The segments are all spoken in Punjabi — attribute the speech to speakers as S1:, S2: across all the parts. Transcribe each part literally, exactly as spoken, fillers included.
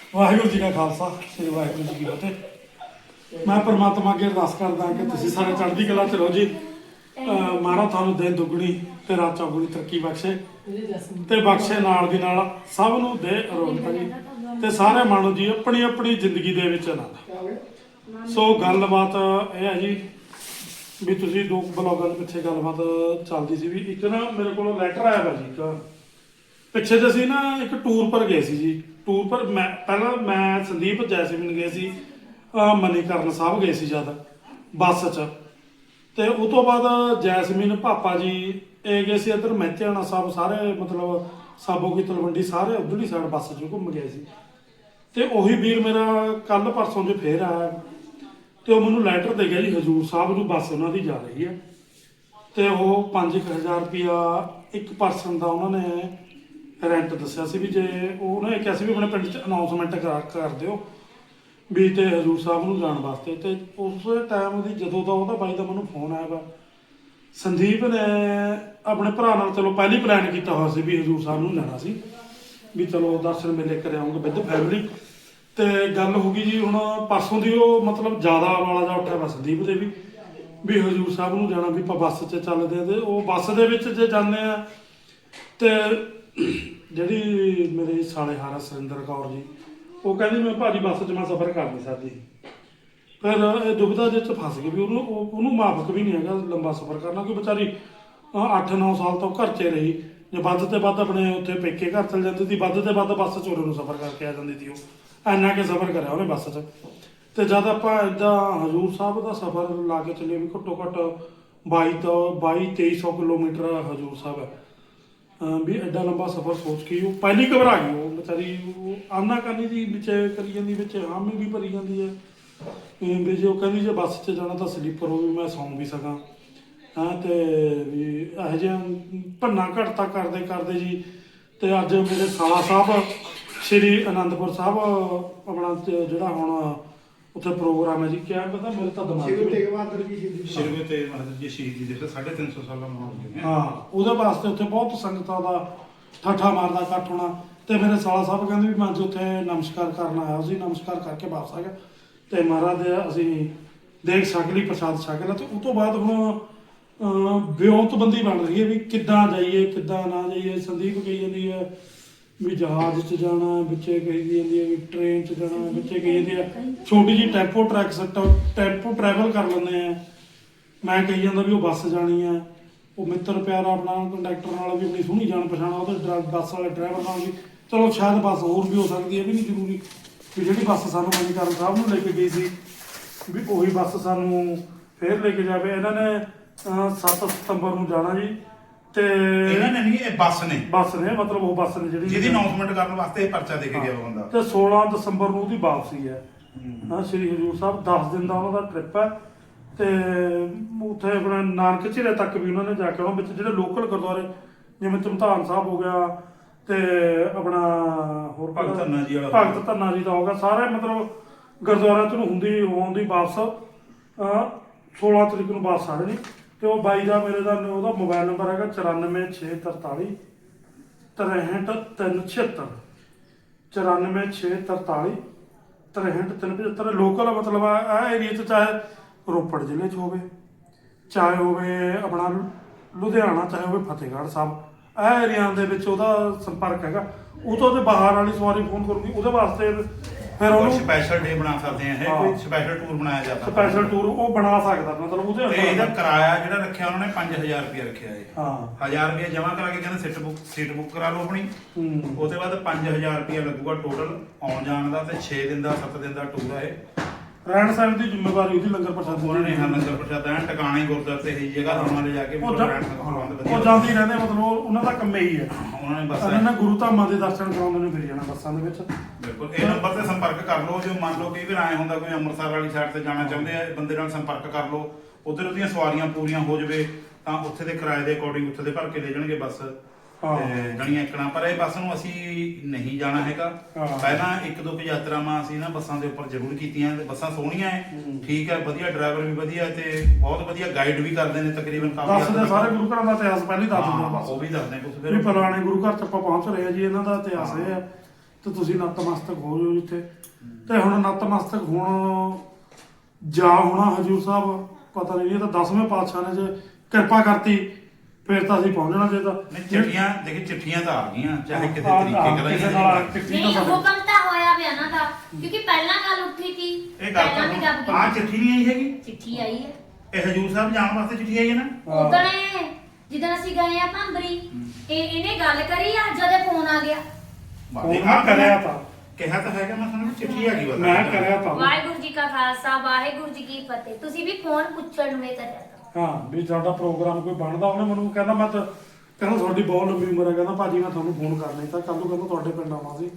S1: ਵਾਹਿਗੁਰੂ ਜੀ ਕਾ ਖਾਲਸਾ ਸ੍ਰੀ ਵਾਹਿਗੁਰੂ ਜੀ ਕੀ ਫਤਿਹ। ਮੈਂ ਪਰਮਾਤਮਾ ਅੱਗੇ ਅਰਦਾਸ ਕਰਦਾ ਕਿ ਤੁਸੀਂ ਸਾਰੇ ਚੜ੍ਹਦੀ ਕਲਾ ਚ ਰਹੋ ਜੀ। ਅਹ ਮਹਾਰਾਜ ਤੁਹਾਨੂੰ ਦਿਨ ਦੁੱਗਣੀ ਤੇ ਰਾਤ ਚੌਗੁਣੀ ਤਰੱਕੀ ਬਖਸ਼ੇ ਤੇ ਬਖਸ਼ੇ ਨਾਲ ਦੀ ਨਾਲ ਸਭ ਨੂੰ ਦੇ ਅਰੋਗਤਾ ਜੀ ਤੇ ਸਾਰੇ ਮਾਣੋ ਜੀ ਆਪਣੀ ਆਪਣੀ ਜ਼ਿੰਦਗੀ ਦੇ ਵਿੱਚ ਆਨੰਦ। ਸੋ ਗੱਲਬਾਤ ਇਹ ਹੈ ਜੀ ਵੀ ਤੁਸੀਂ ਦੋ ਬਲੌਗਾਂ ਦੇ ਪਿੱਛੇ ਗੱਲਬਾਤ ਚੱਲਦੀ ਸੀ ਵੀ ਇੱਕ ਨਾ ਮੇਰੇ ਕੋਲ ਲੈਟਰ ਆਇਆ ਵਾ ਜੀ ਇੱਕ ਪਿੱਛੇ ਜੇ ਅਸੀਂ ਨਾ ਇੱਕ ਟੂਰ ਪਰ ਗਏ ਸੀ ਜੀ। ਟੂਰ ਪਰ ਮੈਂ ਪਹਿਲਾਂ ਮੈਂ ਸੰਦੀਪ ਜੈਸਮੀਨ ਗਏ ਸੀ ਮਨੀਕਰਨ ਸਾਹਿਬ ਗਏ ਸੀ ਜਦ ਬੱਸ 'ਚ ਤੇ ਉਹ ਤੋਂ ਬਾਅਦ ਜੈਸਮੀਨ ਪਾਪਾ ਜੀ ਇਹ ਗਏ ਸੀ ਇੱਧਰ ਮਹਿਤਿਆਣਾ ਸਾਹਿਬ ਸਾਰੇ ਮਤਲਬ ਸਾਬੋ ਕੀ ਤਲਵੰਡੀ ਸਾਰੇ ਉੱਧਰਲੀ ਸਾਈਡ ਬੱਸ 'ਚ ਘੁੰਮ ਗਏ ਸੀ। ਤੇ ਉਹੀ ਵੀਰ ਮੇਰਾ ਕੱਲ ਪਰਸੋਂ 'ਚ ਫੇਰ ਆਇਆ ਤੇ ਉਹ ਮੈਨੂੰ ਲੈਟਰ ਦੇ ਗਿਆ ਜੀ ਹਜ਼ੂਰ ਸਾਹਿਬ ਨੂੰ ਬੱਸ ਉਹਨਾਂ ਦੀ ਜਾ ਰਹੀ ਹੈ ਤੇ ਉਹ ਪੰਜ ਕੁ ਹਜ਼ਾਰ ਰੁਪਇਆ ਇੱਕ ਪਰਸਨ ਦਾ ਉਹਨਾਂ ਨੇ ਰੈਂਟ ਦੱਸਿਆ ਸੀ ਵੀ ਜੇ ਉਹਨੇ ਕਿਹਾ ਸੀ ਵੀ ਆਪਣੇ ਪਿੰਡ 'ਚ ਅਨਾਉਂਸਮੈਂਟ ਕਰਾ ਕਰ ਦਿਓ ਵੀ ਤੇ ਹਜ਼ੂਰ ਸਾਹਿਬ ਨੂੰ ਜਾਣ ਵਾਸਤੇ। ਤੇ ਉਸ ਟਾਈਮ ਦੀ ਜਦੋਂ ਦਾ ਉਹਦਾ ਬਾਈ ਦਾ ਮੈਨੂੰ ਫੋਨ ਆਇਆ ਵਾ ਸੰਦੀਪ ਨੇ ਆਪਣੇ ਭਰਾ ਨਾਲ ਚਲੋ ਪਹਿਲੀ ਪਲਾਨ ਕੀਤਾ ਹੋਇਆ ਸੀ ਵੀ ਹਜ਼ੂਰ ਸਾਹਿਬ ਨੂੰ ਜਾਣਾ ਸੀ ਵੀ ਚਲੋ ਦਰਸ਼ਨ ਮੇਲੇ ਕਰ ਆਉਂਗੇ ਵਿਦ ਫੈਮਿਲੀ। ਤੇ ਗੱਲ ਹੋ ਗਈ ਜੀ ਹੁਣ ਪਰਸੋਂ ਦੀ ਉਹ ਮਤਲਬ ਜ਼ਿਆਦਾ ਵਾਲਾ ਜਾ ਉੱਠਿਆ ਵਾ ਸੰਦੀਪ ਦੇ ਵੀ ਵੀ ਹਜ਼ੂਰ ਸਾਹਿਬ ਨੂੰ ਜਾਣਾ ਵੀ ਆਪਾਂ ਬੱਸ 'ਚ ਚੱਲਦੇ ਆ ਤੇ ਉਹ ਬੱਸ ਦੇ ਵਿੱਚ ਜੇ ਜਾਂਦੇ ਆ ਤੇ ਜਿਹੜੀ ਮੇਰੇ ਸਾਲੇ ਹਾਰਾ ਸੁਰਿੰਦਰ ਕੌਰ ਜੀ ਉਹ ਕਹਿੰਦੀ ਮੈਂ ਭਾਜੀ ਬੱਸ 'ਚ ਮੈਂ ਸਫ਼ਰ ਕਰ ਨਹੀਂ ਸਕਦੀ। ਫਿਰ ਇਹ ਦੁਬਿਧਾ ਜਿਹੇ 'ਚ ਫਸ ਗਈ ਵੀ ਉਹਨੂੰ ਉਹਨੂੰ ਮਾਫਕ ਵੀ ਨਹੀਂ ਹੈਗਾ ਲੰਬਾ ਸਫ਼ਰ ਕਰਨਾ ਕਿ ਵਿਚਾਰੀ ਅੱਠ ਨੌ ਸਾਲ ਤੋਂ ਘਰ 'ਚ ਰਹੀ ਜੇ ਵੱਧ ਤੇ ਵੱਧ ਆਪਣੇ ਉੱਥੇ ਪੇਕੇ ਘਰ ਚਲ ਜਾਂਦੀ ਸੀ ਵੱਧ ਤੇ ਵੱਧ ਬੱਸ 'ਚ ਉਰੇ ਨੂੰ ਸਫ਼ਰ ਕਰਕੇ ਆ ਜਾਂਦੀ ਸੀ ਉਹ ਇੰਨਾ ਕਿ ਸਫ਼ਰ ਕਰਿਆ ਉਹਨੇ ਬੱਸ 'ਚ। ਤੇ ਜਦ ਆਪਾਂ ਇੱਦਾਂ ਹਜ਼ੂਰ ਸਾਹਿਬ ਦਾ ਸਫ਼ਰ ਲਾ ਕੇ ਚੱਲੇ ਵੀ ਘੱਟੋ ਘੱਟ ਬਾਈ ਤੋਂ ਬਾਈ ਤੇਈ ਸੌ ਕਿਲੋਮੀਟਰ ਹਜ਼ੂਰ ਸਾਹਿਬ ਹੈ ਵੀ ਐਡਾ ਲੰਬਾ ਸਫ਼ਰ ਸੋਚ ਕੇ ਉਹ ਪਹਿਲੀ ਘਬਰਾ ਗਈ ਉਹ ਵਿਚਾਰੀ ਉਹ ਆਨਾ ਕਰਨੀ ਦੀ ਵਿੱਚ ਕਰੀ ਜਾਂਦੀ ਵਿੱਚ ਹਾਮੀ ਵੀ ਭਰੀ ਜਾਂਦੀ ਹੈ ਵੀ ਜੇ ਉਹ ਕਹਿੰਦੀ ਜੇ ਬੱਸ 'ਚ ਜਾਣਾ ਤਾਂ ਸਲੀਪਰ ਹੋਵੇ ਮੈਂ ਸੌਂ ਵੀ ਸਕਾਂ ਹਾਂ। ਤੇ ਵੀ ਇਹੋ ਜਿਹਾ ਭੰਨਾ ਘਟਤਾ ਕਰਦੇ ਕਰਦੇ ਜੀ ਤੇ ਅੱਜ ਮੇਰੇ ਸਾਲਾ ਸਾਹਿਬ ਸ਼੍ਰੀ ਅਨੰਦਪੁਰ ਸਾਹਿਬ ਆਪਣਾ ਜਿਹੜਾ ਹੁਣ ਉੱਥੇ ਪ੍ਰੋਗਰਾਮ ਹੈ ਜੀ ਕਿਆ ਪਤਾ ਮੇਰੇ ਤਾਂ ਦਿਮਾਗ
S2: ਸ਼੍ਰੀ ਤੇਗ ਬਹਾਦਰ ਜੀ ਸ਼ਹੀਦੀ
S3: ਸ਼੍ਰੀ ਗੁਰੂ ਤੇਗ ਬਹਾਦਰ ਜੀ ਸ਼ਹੀਦੀ ਦੇ ਸਾਢੇ ਤਿੰਨ ਸੌ ਸਾਲਾਂ ਮਨਾਉਂਦੇ
S1: ਹਾਂ ਉਹਦੇ ਵਾਸਤੇ ਉੱਥੇ ਬਹੁਤ ਸੰਗਤਾਂ ਦਾ ਠਾਠਾ ਮਾਰਦਾ ਇਕੱਠ ਹੋਣਾ। ਤੇ ਮੇਰੇ ਸਾਲਾ ਸਾਹਿਬ ਕਹਿੰਦੇ ਵੀ ਮੈਂ ਅੱਜ ਉੱਥੇ ਨਮਸਕਾਰ ਕਰਨ ਆਇਆ ਸੀ ਨਮਸਕਾਰ ਕਰਕੇ ਵਾਪਸ ਆ ਗਿਆ ਤੇ ਮਹਾਰਾਜ ਦੇ ਅਸੀਂ ਦੇਖ ਛਕ ਲਈ ਪ੍ਰਸ਼ਾਦ ਛਕ ਲਿਆ। ਤੇ ਉਸ ਤੋਂ ਬਾਅਦ ਹੁਣ ਵਿਉਂਤਬੰਦੀ ਬਣ ਰਹੀ ਹੈ ਵੀ ਕਿੱਦਾਂ ਜਾਈਏ ਕਿੱਦਾਂ ਨਾ ਜਾਈਏ। ਸੰਦੀਪ ਕਹੀ ਜਾਂਦੀ ਹੈ ਵੀ ਜਹਾਜ਼ 'ਚ ਜਾਣਾ ਵਿੱਚੇ ਕਹੀ ਜਾਂਦੀ ਹੈ ਵੀ ਟ੍ਰੇਨ 'ਚ ਜਾਣਾ ਵਿੱਚੇ ਕਹੀ ਜਾਂਦੀ ਹੈ ਛੋਟੀ ਜਿਹੀ ਟੈਂਪੋ ਟਰੈਕ ਟੈਂਪੋ ਟਰੈਵਲ ਕਰ ਲੈਂਦੇ ਆ। ਮੈਂ ਕਹੀ ਜਾਂਦਾ ਵੀ ਉਹ ਬੱਸ ਜਾਣੀ ਆ ਉਹ ਮਿੱਤਰ ਪਿਆਰਾ ਆਪਣਾ ਕੰਡਕਟਰ ਨਾਲ ਵੀ ਆਪਣੀ ਸੋਹਣੀ ਜਾਣ ਪਛਾਣ ਉਹਦੇ ਬੱਸ ਵਾਲੇ ਡਰਾਈਵਰ ਨਾਲ ਵੀ ਚਲੋ ਸ਼ਾਇਦ ਬੱਸ ਹੋਰ ਵੀ ਹੋ ਸਕਦੀ ਹੈ ਵੀ ਨਹੀਂ ਜ਼ਰੂਰੀ ਵੀ ਜਿਹੜੀ ਬੱਸ ਸਾਨੂੰ ਮਨੀਕਰਨ ਸਾਹਿਬ ਨੂੰ ਲੈ ਕੇ ਗਈ ਸੀ ਵੀ ਉਹੀ ਬੱਸ ਸਾਨੂੰ ਫੇਰ ਲੈ ਕੇ ਜਾਵੇ। ਇਹਨਾਂ ਨੇ ਸੱਤ ਸਤੰਬਰ ਨੂੰ ਜਾਣਾ ਜੀ ਤੇ
S3: ਇਹਨਾਂ ਨੇ ਨਹੀਂ ਇਹ ਬੱਸ ਨੇ
S1: ਬੱਸ ਨੇ ਮਤਲਬ ਉਹ ਬੱਸ ਨੇ ਜਿਹੜੀ
S3: ਜਿਹਦੀ ਅਨਾਉਂਸਮੈਂਟ ਕਰਨ ਵਾਸਤੇ ਇਹ ਪਰਚਾ ਦੇ ਕੇ ਗਿਆ ਬੰਦਾ
S1: ਤੇ ਸੋਲਾਂ ਦਸੰਬਰ ਨੂੰ ਉਹਦੀ ਵਾਪਸੀ ਹੈ ਹਾਂ ਸ਼੍ਰੀ ਹਜ਼ੂਰ ਸਾਹਿਬ ਦਸ ਦਿਨ ਦਾ ਉਹਨਾਂ ਦਾ ਟ੍ਰਿਪ ਹੈ। ਤੇ ਉੱਥੇ ਆਪਣਾ ਨਾਨਕ ਝੀਰੇ ਤੱਕ ਵੀ ਉਹਨਾਂ ਨੇ ਜਾ ਕੇ ਉਹਨਾਂ ਵਿੱਚ ਜਿਹੜੇ ਲੋਕਲ ਗੁਰਦੁਆਰੇ ਜਿਵੇਂ ਧਮਧਾਨ ਸਾਹਿਬ ਹੋ ਗਿਆ ਤੇ ਆਪਣਾ ਹੋਰ
S3: ਭਗਤ ਧੰਨਾ ਜੀ ਵਾਲਾ
S1: ਭਗਤ ਧੰਨਾ ਜੀ ਦਾ ਹੋ ਗਿਆ ਸਾਰੇ ਮਤਲਬ ਗੁਰਦੁਆਰਿਆਂ 'ਚ ਨੂੰ ਹੁੰਦੀ ਹੋਣ ਦੀ ਵਾਪਸ ਸੋਲਾਂ ਤਰੀਕ ਨੂੰ ਵਾਪਸ ਆ ਰਹੇ ਨੇ। ਤੇ ਉਹ ਬਾਈ ਦਾ ਮੇਰੇ ਦਾ ਉਹਦਾ ਮੋਬਾਈਲ ਨੰਬਰ ਹੈਗਾ ਚੁਰਾਨਵੇਂ ਛੇ ਤਰਤਾਲੀ ਤਰੇਹਠ ਤਿੰਨ ਛਿਹੱਤਰ ਚੁਰਾਨਵੇਂ ਛੇ ਤਰਤਾਲੀ ਤਰੇਹਠ ਤਿੰਨ ਪਝੱਤਰ। ਲੋਕਲ ਮਤਲਬ ਆ ਏਰੀਏ 'ਚ ਚਾਹੇ ਰੋਪੜ ਜ਼ਿਲ੍ਹੇ 'ਚ ਹੋਵੇ ਚਾਹੇ ਹੋਵੇ ਆਪਣਾ ਲੁਧਿਆਣਾ ਚਾਹੇ ਹੋਵੇ ਫਤਿਹਗੜ੍ਹ ਸਾਹਿਬ ਇਹ ਏਰੀਆ ਦੇ ਵਿੱਚ ਉਹਦਾ ਸੰਪਰਕ ਹੈਗਾ। ਉਹ ਤੋਂ ਉਹਦੇ ਬਾਹਰ ਵਾਲੀ ਸਵਾਰੀ ਫੋਨ ਕਰੂਗੀ ਉਹਦੇ ਵਾਸਤੇ ਫਿਰ ਉਹਨੂੰ
S3: ਸਪੈਸ਼ਲ ਡੇ ਬਣਾ ਸਕਦੇ ਆ ਇਹ ਕੋਈ ਸਪੈਸ਼ਲ ਟੂਰ ਬਣਾਇਆ ਜਾਂਦਾ
S1: ਸਪੈਸ਼ਲ ਟੂਰ ਉਹ ਬਣਾ ਸਕਦਾ ਮਤਲਬ ਉਹਦੇ
S3: ਤੇ ਇਹਦਾ ਕਿਰਾਇਆ ਜਿਹੜਾ ਰੱਖਿਆ ਉਹਨਾਂ ਨੇ ਪੰਜ ਹਜ਼ਾਰ ਰੁਪਏ ਰੱਖਿਆ ਹੈ
S1: ਹਾਂ
S3: ਹਜ਼ਾਰ ਰੁਪਏ ਜਮ੍ਹਾਂ ਕਰਾ ਕੇ ਕਹਿੰਦੇ ਸੀਟ ਬੁੱਕ ਸੀਟ ਬੁੱਕ ਕਰਾ ਲਓ ਆਪਣੀ ਉਹਦੇ ਬਾਅਦ ਪੰਜ ਹਜ਼ਾਰ ਰੁਪਏ ਲੱਗੂਗਾ ਟੋਟਲ ਆਉਣ ਜਾਣ ਦਾ ਤੇ ਛੇ ਦਿਨ ਦਾ ਸੱਤ ਦਿਨ ਦਾ ਟੂਰ ਹੈ।
S1: ਰਹਿਣ ਸਹਿਣ ਦੀ ਜ਼ਿੰਮੇਵਾਰੀ ਉਹਦੀ ਲੰਗਰ ਪ੍ਰਸ਼ਾਦ
S3: ਉਹਨਾਂ ਨੇ ਹਾਂ ਲੰਗਰ ਪ੍ਰਸ਼ਾਦ ਐਨ ਟਿਕਾਣੇ ਗੁਰਦੁਆਰੇ ਤੇ ਇਹ ਜਗ੍ਹਾ ਉਹਨਾਂ ਦੇ ਜਾ ਕੇ
S1: ਉਹ
S3: ਰਹਿਣ ਦਾ ਪ੍ਰਬੰਧ ਵਧੀਆ
S1: ਉਹ ਜਾਂਦੀ ਰਹਿੰਦੇ ਮਤਲਬ ਉਹਨਾਂ ਦਾ ਕੰਮ ਇਹੀ ਹੈ
S3: ਉਹਨਾਂ ਨੇ ਬਸ
S1: ਉਹਨਾਂ ਨੇ ਗੁਰੂ ਧਾਮਾਂ ਦੇ ਦਰਸ਼ਨ ਕਰਾਉਂਦੇ ਨੇ ਫਿਰ ਜਾਣਾ ਬੱਸਾਂ ਦੇ ਵਿੱਚ।
S3: ਬਿਲਕੁਲ ਇਹ ਨੰਬਰ ਤੇ ਸੰਪਰਕ ਕਰ ਲਓ ਜੇ ਮੰਨ ਲਓ ਕਈ ਵਾਰ ਆਏ ਹੁੰਦਾ ਕੋਈ ਅੰਮ੍ਰਿਤਸਰ ਵਾਲੀ ਸਾਈਡ ਤੇ ਜਾਣਾ ਚਾਹੁੰਦੇ ਆ ਬੰਦੇ ਨਾਲ ਸੰਪਰਕ ਕਰ ਲਓ ਉਧਰ ਉਹਦੀਆਂ ਸਵਾਰੀਆਂ ਪੂਰੀਆਂ ਹੋ ਜਾਵੇ ਤਾਂ ਉੱਥੇ ਦੇ ਕਿਰਾਏ ਦੇ ਅਕੋਰਡਿੰਗ ਉੱਥੇ ਦੇ ਭਰ ਕੇ ਦੇ ਜਾਣਗੇ ਬੱਸ ਤੇ ਜਣੀਆਂ ਇੱਕਣਾ। ਪਰ ਇਹ ਬੱਸ ਨੂੰ ਅਸੀਂ ਨਹੀਂ ਜਾਣਾ ਹੈਗਾ ਪਹਿਲਾਂ ਇੱਕ ਦੋ ਕੁ ਯਾਤਰਾਵਾਂ ਅਸੀਂ ਨਾ ਬੱਸਾਂ ਦੇ ਉੱਪਰ ਜ਼ਰੂਰ ਕੀਤੀਆਂ ਤੇ ਬੱਸਾਂ ਸੋਹਣੀਆਂ ਹੈ ਠੀਕ ਹੈ ਵਧੀਆ ਡਰਾਈਵਰ ਵੀ ਵਧੀਆ ਤੇ ਬਹੁਤ ਵਧੀਆ ਗਾਈਡ ਵੀ ਕਰਦੇ ਨੇ ਤਕਰੀਬਨ ਕਾਫੀ
S1: ਦੱਸਦੇ ਸਾਰੇ ਗੁਰੂ ਘਰਾਂ ਦਾ ਇਤਿਹਾਸ ਪਹਿਲਾਂ ਹੀ ਦੱਸ ਦਿੰਦੇ
S3: ਉਹ ਵੀ ਦੱਸਦੇ ਕੁਝ
S1: ਫਿਰ ਵੀ ਫਲਾਣੇ ਗੁਰੂ ਘਰ 'ਚ ਆਪਾਂ ਪਹੁੰਚ ਰਹੇ ਹਾਂ ਜੀ ਇਹਨਾਂ ਦਾ ਇਤਿਹਾਸ ਇਹ ਹੈ ਤੇ ਤੁਸੀਂ ਨਤਮਸਤਕ ਹੋ ਜਾਓ ਜਿੱਥੇ। ਤੇ ਹੁਣ ਨਤਮਸਤਕ ਹੋਣ ਜਾ ਹੋਣਾ ਹਜੂਰ ਸਾਹਿਬ ਪਤਾ ਨਹੀਂ, ਇਹ ਤਾਂ ਦਸਵੇਂ ਪਾਤਸ਼ਾਹ ਨੇ ਜੇ ਕਿਰਪਾ ਕਰਤੀ ਫਿਰ ਤਾਂ ਅਸੀਂ ਪਹੁੰਚਣਾ ਚਾਹੀਦਾ।
S3: ਨਹੀਂ ਚਿੱਠੀਆਂ ਦੇਖੀ ਚਿੱਠੀਆਂ ਤਾਂ ਆ ਗਈਆਂ ਚਾਹੇ ਕਿਤੇ
S1: ਹਾਂ,
S3: ਤਰੀਕੇ
S1: ਹਾਂ,
S3: ਕਰਾਈ
S1: ਕਿਸੇ ਨਾਲ ਚਿੱਠੀ
S2: ਨਹੀਂ
S1: ਤਾਂ ਸਾਡੇ-
S2: ਹੁਕਮ ਤਾਂ ਹੋਇਆ ਪਿਆ ਨਾ ਦਾ, ਕਿਉਂਕਿ ਪਹਿਲਾਂ ਗੱਲ ਉੱਠੀ ਸੀ,
S3: ਇਹ ਗੱਲ
S2: ਪਹਿਲਾਂ ਵੀ ਗੱਲ
S3: ਤਾਂ ਆ ਚਿੱਠੀ ਨਹੀਂ ਆਈ ਹੈਗੀ,
S2: ਚਿੱਠੀ ਆਈ ਹੈ
S3: ਇਹ ਹਜੂਰ ਸਾਹਿਬ ਜਾਣ ਵਾਸਤੇ ਚਿੱਠੀ ਆਈ ਹੈ ਨਾ।
S1: ਹਾਂ।
S2: ਉਦਣੇ ਜਿੱਦਣ ਅਸੀਂ ਗਏ ਆ ਭੰਬਰੀ, ਇਹ ਇਹਨੇ ਗੱਲ ਕਰੀ ਆ, ਜਦੇ ਫੋਨ ਆ ਗਿਆ।
S1: ਫੋਨ ਮੈਂ ਕਰਿਆ ਤਾਂ
S3: ਕਿਹਾ ਤਾਂ ਹੈਗਾ, ਮੈਂ ਤੁਹਾਨੂੰ ਚਿੱਠੀ ਆ ਗਈ ਬਸ
S1: ਮੈਂ ਕਰਿਆ ਤਾਂ
S2: ਵਾਹਿਗੁਰੂ ਜੀ ਕਾ ਖਾਲਸਾ ਵਾਹਿਗੁਰੂ ਜੀ ਕੀ ਫਤਿਹ। ਤੁਸੀਂ ਵੀ ਫੋਨ ਪੁੱਛਣ ਨੂੰ ਇਹ ਕਰਿਆ ਤਾਂ।
S1: ਹਾਂ ਵੀ ਸਾਡਾ ਪ੍ਰੋਗਰਾਮ ਕੋਈ ਬਣਦਾ, ਉਹਨੇ ਮੈਨੂੰ ਕਹਿੰਦਾ ਮੈਂ ਤਾਂ ਕਹਿੰਦਾ ਤੁਹਾਡੀ ਬਹੁਤ ਲੰਬੀ ਉਮਰ ਹੈ, ਕਹਿੰਦਾ ਭਾਜੀ ਮੈਂ ਤੁਹਾਨੂੰ ਫੋਨ ਕਰ ਲਈ ਤਾਂ ਕੱਲ ਨੂੰ ਕਹਿੰਦਾ ਤੁਹਾਡੇ ਪਿੰਡ ਆਉਣਾ ਸੀ।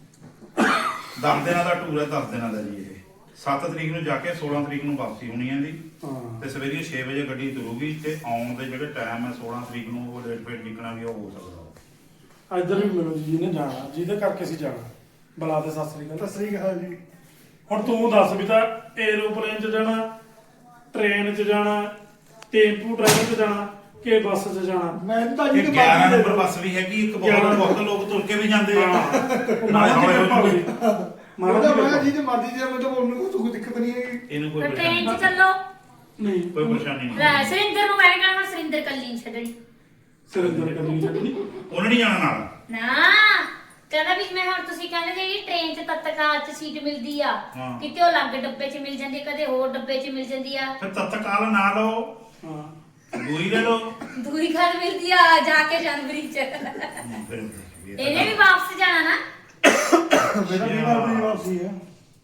S3: ਦਸ ਦਿਨਾਂ ਦਾ ਟੂਰ ਹੈ, ਦਸ ਦਿਨਾਂ ਦਾ ਜੀ। ਇਹ ਸੱਤ ਤਰੀਕ ਨੂੰ ਜਾ ਕੇ ਸੋਲਾਂ ਤਰੀਕ ਨੂੰ ਵਾਪਸੀ ਹੋਣੀ ਹੈ ਜੀ।
S1: ਹਾਂ
S3: ਤੇ ਸਵੇਰੇ ਛੇ ਵਜੇ ਗੱਡੀ ਤੁਰੂਗੀ ਤੇ ਆਉਣ ਦੇ ਜਿਹੜੇ ਟਾਈਮ ਹੈ ਸੋਲਾਂ ਤਰੀਕ ਨੂੰ ਉਹ ਲੇਟ ਫੇਟ ਨਿਕਲਣਾ ਵੀ ਉਹ ਹੋ ਸਕਦਾ।
S1: ਇੱਧਰ ਵੀ ਮਿਲੋ ਜੀ, ਜਿਹਨੇ ਜਾਣਾ ਜਿਹਦੇ ਕਰਕੇ ਅਸੀਂ ਜਾਣਾ ਬੁਲਾ ਦੇ। ਸਤਿ ਸ੍ਰੀ ਅਕਾਲ।
S4: ਸਤਿ ਸ੍ਰੀ ਅਕਾਲ ਜੀ।
S1: ਹੁਣ ਤੂੰ ਦੱਸ ਵੀ ਤਾਂ ਏਰੋਪਲੇਨ 'ਚ ਜਾਣਾ, ਟ੍ਰੇਨ 'ਚ ਜਾਣਾ, ਟੈਂਪੂ ਟਰੈਵਲ 'ਚ ਜਾਣਾ ਕਿ ਬੱਸ 'ਚ ਜਾਣਾ?
S4: ਮੈਂ ਤਾਂ ਜੀ
S3: ਇਹ ਗਿਆਰਾਂ ਨੰਬਰ ਬੱਸ ਵੀ ਹੈਗੀ, ਇੱਕ ਬਹੁਤ ਬਹੁਤ ਲੋਕ ਤੁਰ ਕੇ ਵੀ ਜਾਂਦੇ ਆ।
S1: ਉਹ ਮਹਾਰਾਜ ਦੀ ਕਿਰਪਾ ਹੋਈ। ਮਹਾਰਾਜ ਦੀ
S4: ਮੈਂ
S1: ਕਿਰਪਾ।
S4: ਜੀ ਤੇ ਮਰਜ਼ੀ ਜੇ ਮੈਨੂੰ ਉਹਨੂੰ ਕੋਈ ਦਿੱਕਤ ਨਹੀਂ ਹੈਗੀ।
S3: ਇਹਨੂੰ ਕੋਈ
S2: ਫਿਰ ਟ੍ਰੇਨ
S3: ਪਰੇਸ਼ਾਨੀ
S2: 'ਚ ਚੱਲੋ।
S1: ਨਹੀਂ
S3: ਕੋਈ ਪਰੇਸ਼ਾਨੀ ਨਹੀਂ।
S2: ਲੈ ਸਰਿੰਦਰ ਨੂੰ ਮੈਂ ਕਹਿਣਾ ਹੁਣ ਸਰਿੰਦਰ ਕੱਲੀ ਨੀ ਛੱਡਣੀ
S1: ਸਿਰੰਦਰ ਕਰੀ ਛੱਡਣੀ।
S3: ਉਹਨੇ ਨਹੀਂ ਜਾਣਾ ਨਾਲ।
S2: ਨਾ। ਕਹਿੰਦਾ ਵੀ ਮੈਂ ਹੁਣ ਤੁਸੀਂ ਕਹਿੰਦੇ ਜੀ ਟ੍ਰੇਨ 'ਚ ਤਤਕਾਲ 'ਚ ਸੀਟ ਮਿਲਦੀ ਆ,
S3: ਹਾਂ।
S2: ਕਿਤੇ ਉਹ ਅਲੱਗ ਡੱਬੇ 'ਚ ਮਿਲ ਜਾਂਦੀ ਆ, ਕਦੇ ਹੋਰ ਡੱਬੇ 'ਚ ਮਿਲ ਜਾਂਦੀ ਆ।
S3: ਫਿਰ ਤਤਕਾਲ ਨਾ ਲਓ,
S1: ਹਾਂ
S3: ਦੂਰੀ ਲੈ ਲਓ।
S2: ਦੂਰੀ ਘਰ ਮਿਲਦੀ ਆ ਜਾ ਕੇ ਜਨਵਰੀ 'ਚ।
S3: ਫਿਰ
S2: ਇਹਨੇ ਵੀ ਵਾਪਸ ਜਾਣਾ ਨਾ।
S4: ਮੇਰਾ ਵੀ ਨਾਲ ਦੀ ਵਾਪਸੀ ਹੈ।